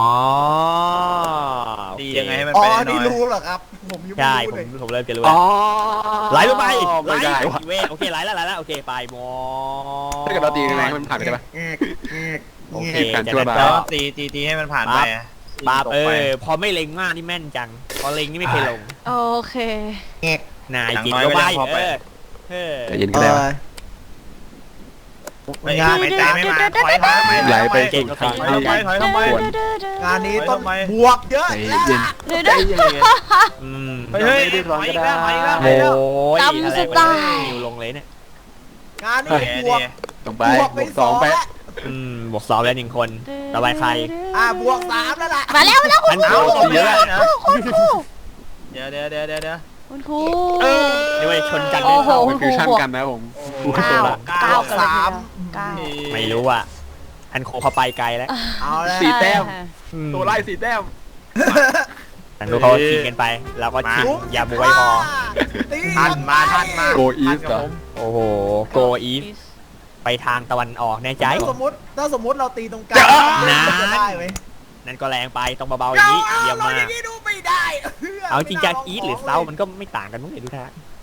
[SPEAKER 5] ดียังไงให้มัน
[SPEAKER 4] ๆอ๋อ
[SPEAKER 5] ไปหน่
[SPEAKER 4] นี่
[SPEAKER 5] อย
[SPEAKER 4] รู้เหรอครับ ผมยังไม่
[SPEAKER 6] ใช่
[SPEAKER 4] รู้
[SPEAKER 6] ผ
[SPEAKER 4] เล
[SPEAKER 6] ม
[SPEAKER 4] ย
[SPEAKER 6] ผมเริ่มจะรู้
[SPEAKER 3] อ๋
[SPEAKER 6] แล้
[SPEAKER 3] อ
[SPEAKER 6] วไหลลงไปไหล
[SPEAKER 3] ไม่ได้วะ
[SPEAKER 6] เวทโอเคไหลแล้วไหลแล้วโอเคไปมอ
[SPEAKER 3] ถ้าเกิดเราตียังไงให้มันผ่านไปได้ปะ
[SPEAKER 4] แงกแงก
[SPEAKER 6] โอเค
[SPEAKER 3] เหตุการณ์ชั่วร้าย
[SPEAKER 5] แล้วตีตีตีให้มันผ่านไปอะ
[SPEAKER 6] ปาบ
[SPEAKER 5] ตก
[SPEAKER 6] เอ
[SPEAKER 5] ไป
[SPEAKER 6] อพอไม่เล็งมากนี่แม่นจังพอเล็งนี่ไม่เคยลง
[SPEAKER 1] โอเค
[SPEAKER 4] แงก
[SPEAKER 6] นาย
[SPEAKER 5] อย่าง
[SPEAKER 6] จิต
[SPEAKER 5] น้อย
[SPEAKER 6] ก็
[SPEAKER 5] ก็
[SPEAKER 6] ไป
[SPEAKER 5] ยังพอไป
[SPEAKER 6] เออเออ
[SPEAKER 3] ใจเย็น
[SPEAKER 4] เอ
[SPEAKER 3] ก็ได้
[SPEAKER 4] อ
[SPEAKER 3] วะ
[SPEAKER 5] ไม่ไม่ใจไม่มาถอยถอยไป
[SPEAKER 3] ไหลไป
[SPEAKER 5] ถอย
[SPEAKER 3] สู่ทาง
[SPEAKER 5] ทำไมถอยทำไม
[SPEAKER 3] ควร
[SPEAKER 4] งานนี้ต้อง
[SPEAKER 5] ทำไม
[SPEAKER 4] บวกเยอะ
[SPEAKER 3] ใจ
[SPEAKER 4] แล้ว
[SPEAKER 3] เย็น
[SPEAKER 4] ล่ะ
[SPEAKER 1] เดี๋ยวนะ
[SPEAKER 6] อืม
[SPEAKER 5] เฮ้ยเฮ้ย
[SPEAKER 3] ไม่ได้
[SPEAKER 5] ถ
[SPEAKER 3] ร้อ
[SPEAKER 5] อน ย
[SPEAKER 3] ก็
[SPEAKER 5] อีก
[SPEAKER 3] ได้
[SPEAKER 5] แล้วถอยอีกแล้วถอยอีกแล้ว
[SPEAKER 6] โอ้ย
[SPEAKER 1] ตำ
[SPEAKER 6] อะไร
[SPEAKER 1] ส
[SPEAKER 6] วะ
[SPEAKER 1] ไต
[SPEAKER 6] เนี่ย
[SPEAKER 1] ล์
[SPEAKER 6] นิวลงเลยเนี่ย
[SPEAKER 4] งานนี้
[SPEAKER 5] โอเค
[SPEAKER 4] บวก
[SPEAKER 5] ดี
[SPEAKER 3] ต้องไป
[SPEAKER 4] บวกไป
[SPEAKER 3] บวก
[SPEAKER 4] ส
[SPEAKER 3] ส
[SPEAKER 4] อ
[SPEAKER 3] อง งไป
[SPEAKER 4] แล้ว
[SPEAKER 6] อืมบวกสองแล้วหนึ่งคนต่อไปใคร
[SPEAKER 4] อ่าบวกสามแล้วล่ะ
[SPEAKER 1] มาแล้วมาแล้วคุณ
[SPEAKER 6] อัน
[SPEAKER 1] ครู
[SPEAKER 6] เอาตรงนี้แล้ว
[SPEAKER 1] คุณครูคุณครู
[SPEAKER 5] เดี๋ยวเดี๋ยวเดี๋ยวเดี๋ยวเดี๋ยว
[SPEAKER 1] คุณครู
[SPEAKER 5] เออ
[SPEAKER 6] นี่ว่าชนกัน
[SPEAKER 1] โอ้โห
[SPEAKER 3] มันฟิวชั่นกันนะผม
[SPEAKER 1] เก้าเก้ากันเลยทีเดียว
[SPEAKER 4] สาม
[SPEAKER 1] เก้า
[SPEAKER 6] ไม่รู้อ่ะอันโคเขาไปไกลแล้ว
[SPEAKER 4] เอาแล้ว
[SPEAKER 3] สี่แต้ม
[SPEAKER 1] ค่ะ
[SPEAKER 6] อืม
[SPEAKER 3] ตัวไล่สี่แต้ม
[SPEAKER 6] ทางนู้นเขาชิงกันไปเราก็ชิงยาบวยพอ
[SPEAKER 5] ท่านมาท่านมา
[SPEAKER 3] โกอีสเหรอ
[SPEAKER 6] โอ้โหโกอีฟไปทางตะวันออกแน่ใจ
[SPEAKER 4] ถ้าสมมติถ้าสมมติเราตีตรงกลาง
[SPEAKER 6] นะ
[SPEAKER 4] จะได้ไหม
[SPEAKER 6] นั่นก็แรงไปต้องเบาๆอย่างนี้เยี่ยมมาก
[SPEAKER 4] เราดูไม่ได้
[SPEAKER 6] เอาจริงจากอีทหรือเซามันก็ไม่ต่างกันมั้งเลยดูท่า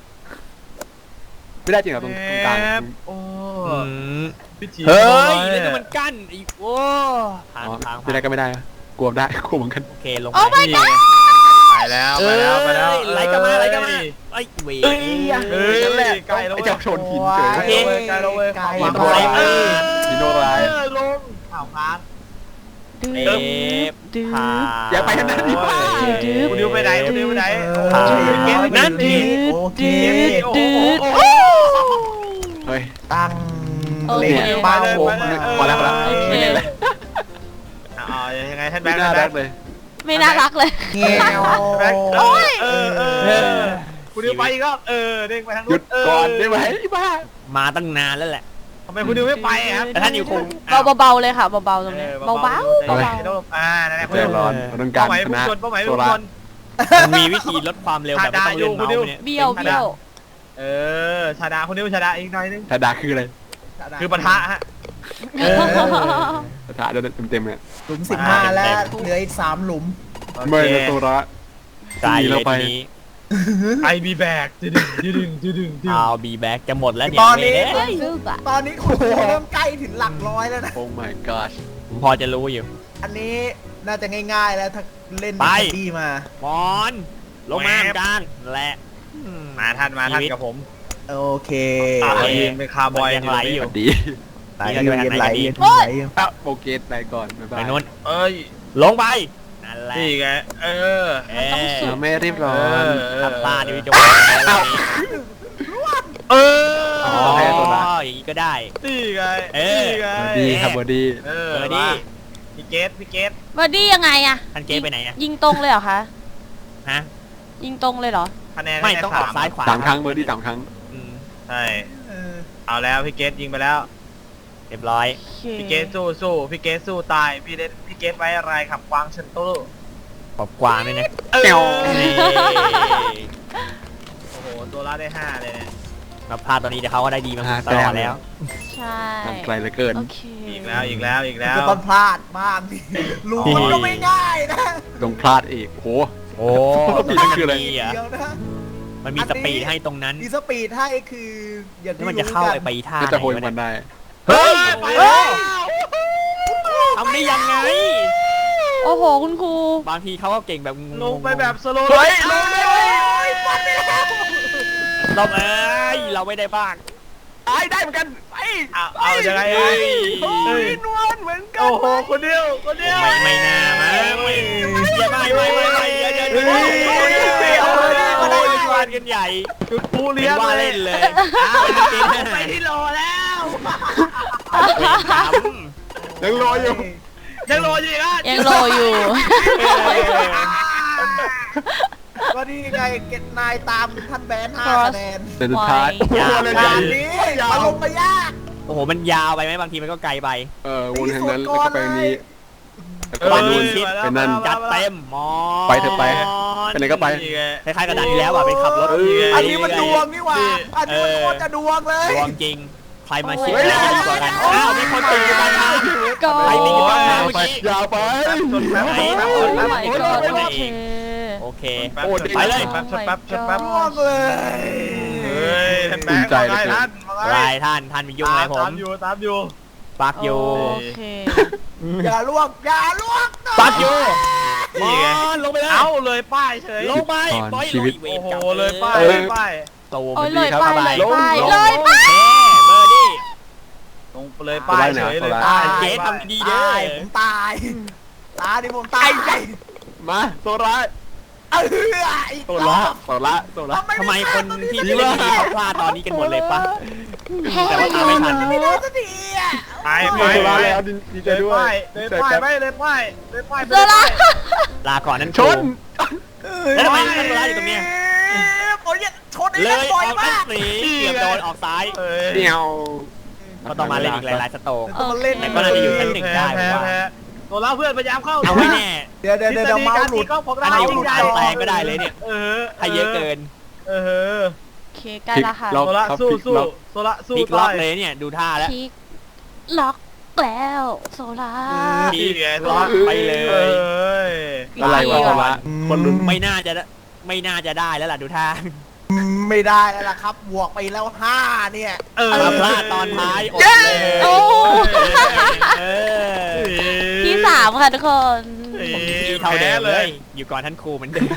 [SPEAKER 3] ไม่ได้จริงเหรอตรงตรงกลาง
[SPEAKER 5] โอ้
[SPEAKER 6] อืม
[SPEAKER 5] พิธี
[SPEAKER 6] เฮ้ยแล้วนี่มันกั้นอีกโอ้ทาง
[SPEAKER 3] อ๋อ
[SPEAKER 6] ทาง
[SPEAKER 3] ไม่ได้ก็ไม่ได้กลัวได้กลัวเหมือนกัน
[SPEAKER 6] โอเคลง
[SPEAKER 1] โอ้
[SPEAKER 6] ไป
[SPEAKER 1] my god
[SPEAKER 5] ไปแล้วไปแล้วไปแล้ว
[SPEAKER 6] ไหลกันมาไหลกันมาไอ้เว
[SPEAKER 3] เอ้ย
[SPEAKER 5] เฮ้ยใกล้แล้ว
[SPEAKER 3] ไอ้เจ้าชนหินเฉย
[SPEAKER 5] ใกล้แล้วเว้ยใกล้แล้วเว้ย
[SPEAKER 4] ไกล
[SPEAKER 5] ความ
[SPEAKER 3] โดน
[SPEAKER 5] ร้าย
[SPEAKER 3] เออหินโดนร้าย
[SPEAKER 5] ลง
[SPEAKER 4] ข่าวค้าง
[SPEAKER 6] เอฟ
[SPEAKER 1] ดื้อ
[SPEAKER 6] พา
[SPEAKER 3] อย่าไปทางนั้นดิว่า
[SPEAKER 5] คุณดิวไปไหนคุณดิวไปไหน
[SPEAKER 6] พา
[SPEAKER 5] นั่นดิ
[SPEAKER 4] โอเค
[SPEAKER 5] โอ้โห
[SPEAKER 3] เฮ้ย
[SPEAKER 4] ตั้ง
[SPEAKER 1] โอเค
[SPEAKER 4] เล็งเป้า
[SPEAKER 3] โอ้พอแล้วพอแล้ว
[SPEAKER 1] โอเค
[SPEAKER 3] ไม่เล่นเลย
[SPEAKER 5] อ๋อยังไงท่านแบ
[SPEAKER 3] ไม่
[SPEAKER 5] งค์
[SPEAKER 3] น่า
[SPEAKER 5] แบ
[SPEAKER 3] รั
[SPEAKER 5] ง
[SPEAKER 3] ก
[SPEAKER 5] ค์
[SPEAKER 3] เลย
[SPEAKER 1] ไม่น่ารักเลย
[SPEAKER 4] เงี้ยว
[SPEAKER 5] แบงค์โอ้ยเออเออคุณดิวไปอีกรอบเออเด้งไปทาง
[SPEAKER 3] หยุ
[SPEAKER 5] นู้
[SPEAKER 3] ด
[SPEAKER 5] น
[SPEAKER 3] ก่อนได้ไหมบ้า
[SPEAKER 6] มาตั้งนานแล้วแหละ
[SPEAKER 5] ทำไมคุณดิวไม่ไปครับ
[SPEAKER 6] แต่ท่านอยู่คง
[SPEAKER 1] เบาๆเลยค่ะเบาๆตรงนี้เบาๆเบา
[SPEAKER 5] อ่านั่นแหละ
[SPEAKER 3] ใจร้อนเราต้องกา
[SPEAKER 5] เป้าร หมาย
[SPEAKER 3] ช
[SPEAKER 5] พุ่ง
[SPEAKER 3] นะ
[SPEAKER 5] ชนเป้าหมาย
[SPEAKER 3] โซ
[SPEAKER 5] พุ่ง
[SPEAKER 3] ล่า
[SPEAKER 5] ชน
[SPEAKER 6] มันมีวิธีลดความเร็วแบบไม่ต้องเลื่อนเมาส์เนี่ย
[SPEAKER 1] ๆเบี้ยวเบี้ยว
[SPEAKER 5] เออชาดาคุณดิวชาดาอีกหน่อยนึง
[SPEAKER 3] ชาดาคืออะไร
[SPEAKER 5] คือปะทะฮะ
[SPEAKER 4] เออ
[SPEAKER 3] ชาดาเดินเต็มๆเนี่ย
[SPEAKER 4] หลุมสิบห้าแล้วเหลืออีกสามหลุม
[SPEAKER 3] ไม่นะโซล่า
[SPEAKER 6] ใจ
[SPEAKER 3] หนี
[SPEAKER 6] เล
[SPEAKER 3] เรา
[SPEAKER 6] ย
[SPEAKER 3] ไป
[SPEAKER 6] ทีนี้
[SPEAKER 5] ไอบีแบกดึงดึงดึงดึงดึง
[SPEAKER 6] เอาบีแบ็กจะหมดแล้วเนี่ย
[SPEAKER 4] ตอนนี้
[SPEAKER 6] เมย์
[SPEAKER 1] เฮ้ยซึกอะ
[SPEAKER 4] ตอนนี้คุณเริ่มใกล้ถึงหลักร้อยแล้วนะ
[SPEAKER 3] โอ้ my god
[SPEAKER 6] ผมพอจะรู้อยู่
[SPEAKER 4] อันนี้น่าจะง่ายๆแล้วถ้าเล่น
[SPEAKER 6] ไป
[SPEAKER 4] ดีมา
[SPEAKER 6] มอนลงมากลางและ
[SPEAKER 5] มาท่านมาท่านกับผม
[SPEAKER 4] โอเค
[SPEAKER 5] อ่ายืนเป็นคาร์บอย
[SPEAKER 6] ยังไหลอยู่
[SPEAKER 3] สวัสดี
[SPEAKER 4] ไหลอยู่เย็นไหลเย็นไหลอยู่
[SPEAKER 3] อ่ะโปเกตไปก่อนบ๊าย
[SPEAKER 6] ไป
[SPEAKER 3] บาย
[SPEAKER 6] โน้น
[SPEAKER 5] เอ้ย
[SPEAKER 6] ลงไปนั่นแหละ
[SPEAKER 5] นี่ไงเออ
[SPEAKER 6] เอ๊ะ
[SPEAKER 3] เราไม่รีบร้อ
[SPEAKER 5] เอน อ
[SPEAKER 6] ทำตาดิวิจวัแล้ววันนี้
[SPEAKER 5] เออ
[SPEAKER 6] อ๋
[SPEAKER 3] โอเค
[SPEAKER 6] อ
[SPEAKER 3] ตัวละ
[SPEAKER 6] อย่างนี้ก็ได้
[SPEAKER 5] นี่ไง
[SPEAKER 6] เอ๊ะ
[SPEAKER 5] นี่ไง
[SPEAKER 3] สวัสดีครับสวัสดี
[SPEAKER 5] เออ
[SPEAKER 6] เออดิ
[SPEAKER 5] พี่เกตพี่เกต
[SPEAKER 1] บอดี้ยังไงอะ
[SPEAKER 6] ท่านเกมไปไหนอะ
[SPEAKER 1] ยิงตรงเลยเหรอคะ
[SPEAKER 6] ฮะ
[SPEAKER 1] ยิงตรงเลยเหรอ
[SPEAKER 5] คะแนน
[SPEAKER 6] ไม่ต้องออกซ้ายขวา
[SPEAKER 3] สามครั้งเบอร์ดี้สามครั้ง
[SPEAKER 6] อืม
[SPEAKER 5] ใช่
[SPEAKER 4] เออ
[SPEAKER 5] เอาแล้วพี่เกตยิงไปแล้ว
[SPEAKER 6] เรียบร้อย
[SPEAKER 1] โอเค
[SPEAKER 5] พี่เกตสู้สู้พี่เกตสู้ตายพี่เกตพี่เกตไว้อะไรขับกวางเชนตู้
[SPEAKER 6] ขอบกวางด้วยนะ
[SPEAKER 5] เออ
[SPEAKER 3] แก้ว
[SPEAKER 6] นี่
[SPEAKER 5] โอ้โหตัวละได้ห้าเลยเนี่ย
[SPEAKER 6] มาพลาดตอนนี้เดี๋ยวเขาก็ได้ดีมาตลอดแล้ว
[SPEAKER 1] ใช่
[SPEAKER 3] ทางไกลเหลือเกิน
[SPEAKER 1] โอเค
[SPEAKER 5] อีกแล้วอีกแล้วอีกแล้ว
[SPEAKER 4] ก็ต้องพลาดบ้างดิรู้มันก็ไม่ง่ายนะ
[SPEAKER 3] ต้องพลาดอีกโห
[SPEAKER 6] โอ้
[SPEAKER 3] ปีนั่นคืออะไร
[SPEAKER 6] ดีอ่ะ
[SPEAKER 4] เดียวนะ
[SPEAKER 6] มันมีสปีดให้ตรงนั้น
[SPEAKER 4] ดีสปีดให้คืออย่าง
[SPEAKER 6] แล้ว
[SPEAKER 4] ที่
[SPEAKER 6] มันจะเข้า
[SPEAKER 4] รู้
[SPEAKER 6] ไอ้
[SPEAKER 4] กั
[SPEAKER 6] ไป
[SPEAKER 4] น
[SPEAKER 6] ท่า
[SPEAKER 3] ก็จะโหย
[SPEAKER 6] ไหนวะ
[SPEAKER 3] มันได้
[SPEAKER 6] เฮ้ย
[SPEAKER 5] ไป
[SPEAKER 6] เฮ้
[SPEAKER 5] แล้ว
[SPEAKER 6] ยทำได้ยังไง
[SPEAKER 1] โอ้โหคุณครู
[SPEAKER 6] บางทีเขาก็เก่งแบบงงๆ
[SPEAKER 5] ลงไปแบบสโลว์
[SPEAKER 6] เฮ้ย
[SPEAKER 5] ลงเลย
[SPEAKER 6] เราเอ้ยเราไม่ได้บ้าง
[SPEAKER 3] ตายได้เหมือนกันไป
[SPEAKER 5] เอาเอายังไง
[SPEAKER 6] เฮ้ย
[SPEAKER 5] เฮ้ย
[SPEAKER 3] นวลเหมือนกัน
[SPEAKER 5] โอ้โหคนเดียวคนเดียว
[SPEAKER 6] ไม่ไม่น่ามาไม่อย่าไม่ไม่ไม่ไม่อย่าอย่าอย่า
[SPEAKER 5] เฮ้ย
[SPEAKER 6] เอาเลย
[SPEAKER 5] เอาเลย
[SPEAKER 6] วาดกันใหญ่
[SPEAKER 5] จุดปู
[SPEAKER 6] เป็
[SPEAKER 5] เลี้ย
[SPEAKER 6] น
[SPEAKER 5] ง
[SPEAKER 6] ว่า
[SPEAKER 5] เล
[SPEAKER 6] เล่
[SPEAKER 5] ย
[SPEAKER 6] นเลย
[SPEAKER 5] ไปที่รอแล้ว
[SPEAKER 3] ยังรออยู่
[SPEAKER 5] ยังรออยู่อีกอ่ะ
[SPEAKER 1] ยังรออยู่
[SPEAKER 4] ก็นี่ไงเก็ตนายตามท่านแบนห้า
[SPEAKER 1] Cross
[SPEAKER 4] คะแนน
[SPEAKER 3] เป็นสุดท้าย
[SPEAKER 1] ไว้
[SPEAKER 3] โอ้โหเลย
[SPEAKER 4] งา
[SPEAKER 3] ใหญ่
[SPEAKER 4] นนี้มาลงมายาก
[SPEAKER 6] โอ้โหมันยาวไปไหมบางทีมันก็ไกลไป
[SPEAKER 3] เออวนทางนั้นแล้วก็ไปนี้แล้วก็
[SPEAKER 6] ไป
[SPEAKER 3] ไป
[SPEAKER 6] นู่
[SPEAKER 3] นู่
[SPEAKER 6] น
[SPEAKER 3] นไปนั่น
[SPEAKER 6] จัดเต็มมอ
[SPEAKER 3] ไปเถอะไปไปไหนก็ไป
[SPEAKER 6] คล้ายๆกับดันที่แล้วอ่ะเป็นขับรถ
[SPEAKER 4] อันนี้มันดวงนี่หว่า อันนี้มันโคตรจะดวงเลย
[SPEAKER 6] ดวงจริง ใครมาชิด
[SPEAKER 1] โอ้ย
[SPEAKER 6] ได้ดีกว่ากันอ้าวมีคนติดอยู่บ้างนะ
[SPEAKER 1] ก็
[SPEAKER 6] ใครติดอยู่บ้างนะเมื่อ
[SPEAKER 3] ไป
[SPEAKER 6] กี้
[SPEAKER 3] ยาวไป
[SPEAKER 6] ไหน
[SPEAKER 1] โอ้ my god โอเค
[SPEAKER 6] โอเค
[SPEAKER 3] โอ้ดี
[SPEAKER 6] ไปเลย
[SPEAKER 5] แป๊บชดแป๊บชดแป๊บ
[SPEAKER 4] ดวงเลย
[SPEAKER 5] เฮ้ยท่านแบงค์
[SPEAKER 3] ภูมิใจ
[SPEAKER 5] มา
[SPEAKER 3] เหลือ
[SPEAKER 5] ไง
[SPEAKER 3] เกิน
[SPEAKER 5] ท่านมาไง
[SPEAKER 6] ลายท่านท่านมียุ่งอะไรผม
[SPEAKER 5] ตามอยู่ตามอยู่
[SPEAKER 6] ปักอยู่
[SPEAKER 1] โอเค
[SPEAKER 4] อย่าลวกอย่าลวก
[SPEAKER 6] ปักอยู่ม
[SPEAKER 5] นี่
[SPEAKER 6] อ
[SPEAKER 5] ไง
[SPEAKER 6] นลงไปเลย
[SPEAKER 5] เอาเลยป้ายเฉย
[SPEAKER 6] ลงไป
[SPEAKER 3] ก่อน
[SPEAKER 6] ปล่อย
[SPEAKER 3] ชีวิต
[SPEAKER 6] ลุย
[SPEAKER 5] โอ้โห
[SPEAKER 6] วรกรรม
[SPEAKER 5] เลยป้าย
[SPEAKER 3] เออ
[SPEAKER 5] เลยป้าย
[SPEAKER 6] ตูม
[SPEAKER 1] โอ้ย
[SPEAKER 3] ดี
[SPEAKER 1] เลย
[SPEAKER 3] ครับ
[SPEAKER 1] ไป
[SPEAKER 3] สบาย
[SPEAKER 1] เลย
[SPEAKER 3] ลง
[SPEAKER 1] ไป
[SPEAKER 3] ลง
[SPEAKER 1] เลยไป
[SPEAKER 6] เฮ้เบอร์ดี้
[SPEAKER 5] ลงเลยป้ายเฉยเลย
[SPEAKER 3] โซล่า
[SPEAKER 5] ป้าย
[SPEAKER 6] เจ๊ทำดีๆเด้
[SPEAKER 4] ตา
[SPEAKER 6] อย
[SPEAKER 4] ผมตาย ตาดิผมตาย
[SPEAKER 3] มาโซล่า
[SPEAKER 4] เอออีก
[SPEAKER 3] โซ
[SPEAKER 4] ร
[SPEAKER 3] ล่า
[SPEAKER 4] อบ
[SPEAKER 3] โซล่าโซล่า
[SPEAKER 6] ทำไมคนที่เล่นดีเขาพลาดตอนนี้กันหมดเลยปะ แต่ว่าตามไม่ทัน
[SPEAKER 4] ไม่ได้สักทีอ่ะ
[SPEAKER 5] ไปไป
[SPEAKER 3] โซ
[SPEAKER 5] ไป
[SPEAKER 3] ล่าแล้วดีใจ
[SPEAKER 5] เลย
[SPEAKER 3] ด้วย
[SPEAKER 5] ป้ายเลยป้ายไปเลยป้ายเลยป้าย
[SPEAKER 1] โซล่า
[SPEAKER 6] ลาก่อนนั่น
[SPEAKER 3] ชน
[SPEAKER 6] แล้วทำไมท่านโซล่าอยู่ตรงเนี้ย
[SPEAKER 4] โอ้ยชนไอ้
[SPEAKER 6] เล
[SPEAKER 4] เล่น
[SPEAKER 6] ย
[SPEAKER 4] บ่อย
[SPEAKER 6] ออก
[SPEAKER 4] มา
[SPEAKER 6] อัน
[SPEAKER 4] ก
[SPEAKER 6] สีเกือบโดนออกซ้าย
[SPEAKER 5] เอ้ย
[SPEAKER 3] เดียว
[SPEAKER 6] ก็ต้องมาเล่นอีกหลายๆสโตก
[SPEAKER 4] ต้องมาเล่น
[SPEAKER 6] แต่ก็น่าจะอยู่ชั้นหนึ่งได้
[SPEAKER 5] แพ้
[SPEAKER 6] ผมว่า
[SPEAKER 5] แพ้ตัวเราเพื่อนพยายามเข้า
[SPEAKER 6] เอาไว้แน่
[SPEAKER 4] ดี๋ยวเดี๋ยวเดี๋ยวเมาส์หลุด
[SPEAKER 5] ก็ของ
[SPEAKER 6] อัน
[SPEAKER 5] เรา
[SPEAKER 6] นี้ผมตั้งแปลงก็ได้เลยเนี่ย
[SPEAKER 5] เออ
[SPEAKER 6] ให้เยอะเกิน
[SPEAKER 5] เออ
[SPEAKER 1] โอเคใกล้ละค่ะ
[SPEAKER 3] ล็
[SPEAKER 5] โซ
[SPEAKER 3] อก
[SPEAKER 5] ละ
[SPEAKER 3] ครับ
[SPEAKER 5] สู้
[SPEAKER 3] พลิก
[SPEAKER 5] สู้
[SPEAKER 3] ล็อก
[SPEAKER 5] โซละสู้
[SPEAKER 6] พลิกล็อก
[SPEAKER 5] ตาย
[SPEAKER 6] เลยเนี่ยดูท่าแล้ว
[SPEAKER 1] พลิกล็อกแล้วโซล่า
[SPEAKER 6] พลิก
[SPEAKER 5] นี่ไง
[SPEAKER 6] ล็อกไปเล
[SPEAKER 5] เอ้
[SPEAKER 6] ย
[SPEAKER 5] ย
[SPEAKER 3] อะไรวะ
[SPEAKER 1] ดี
[SPEAKER 3] คน
[SPEAKER 1] ว่ะ
[SPEAKER 3] ละคนลุ้น
[SPEAKER 6] ไม่น่าจะไม่น่าจะได้แล้วล่ะดูท่า
[SPEAKER 4] ไม่ได้แล้วล่ะครับ บวกไปแล้วห้าเนี่ย
[SPEAKER 5] เออ
[SPEAKER 6] มาพลาดตอนท้ายอดเลย
[SPEAKER 1] โอ้
[SPEAKER 6] เออ
[SPEAKER 1] ที่สามค่ะทุกคน
[SPEAKER 6] ผมที่เท่าเดิมเลย อยู่ก่อนท่านครูเหมือนเดิม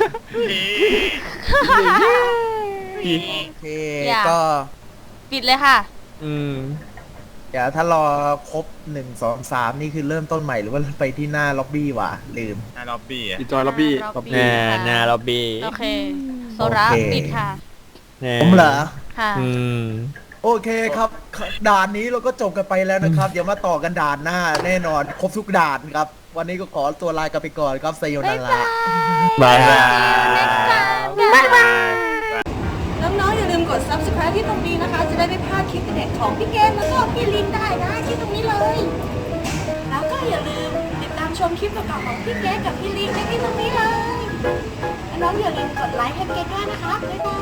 [SPEAKER 4] โอเค
[SPEAKER 1] อย่า
[SPEAKER 4] ก็
[SPEAKER 1] ปิดเลยค่ะ
[SPEAKER 6] อืม
[SPEAKER 4] เดี๋ยวถ้ารอครบหนึ่งสองสามนี่คือเริ่มต้นใหม่หรือว่าไปที่หน้าล็อบบี้วะลืม
[SPEAKER 5] ในล็อบบี้อะ
[SPEAKER 3] อีจอยล็อบบี้
[SPEAKER 1] ล็อบบี้
[SPEAKER 6] น่าน่าล็อบบี้
[SPEAKER 1] โอเค โซล่า
[SPEAKER 4] โอเค
[SPEAKER 1] ปิดค่ะ
[SPEAKER 4] ผมเหรอ
[SPEAKER 1] ค่ะ
[SPEAKER 6] อืม
[SPEAKER 4] โอเคครับ ด่านนี้เราก็จบกันไปแล้วนะครับ เดี๋ยวมาต่อกันด่านหน้าแน่นอนครบทุกด่านครับ วันนี้ก็ขอตัวลากันไปก่อนครับไซโย
[SPEAKER 1] บ๊า
[SPEAKER 4] นาย
[SPEAKER 1] บา
[SPEAKER 4] ระ
[SPEAKER 1] ย
[SPEAKER 6] บายบาย
[SPEAKER 1] next time บ๊ายบาย น้องๆอย่าลืมกด subscribe ที่ตรงนี้นะคะ จะได้ไม่พลาดคลิปเด็ดของพี่เกมแล้วก็พี่ลินได้นะที่ตรงนี้เลย แล้วก็อย่าลืมติดตามชมคลิปเก่าๆของพี่เกมกับพี่ลินได้ที่ตรงนี้เลย น้องๆอย่าลืมกดไลค์ให้เกมด้วยนะคะ บ๊ายบาย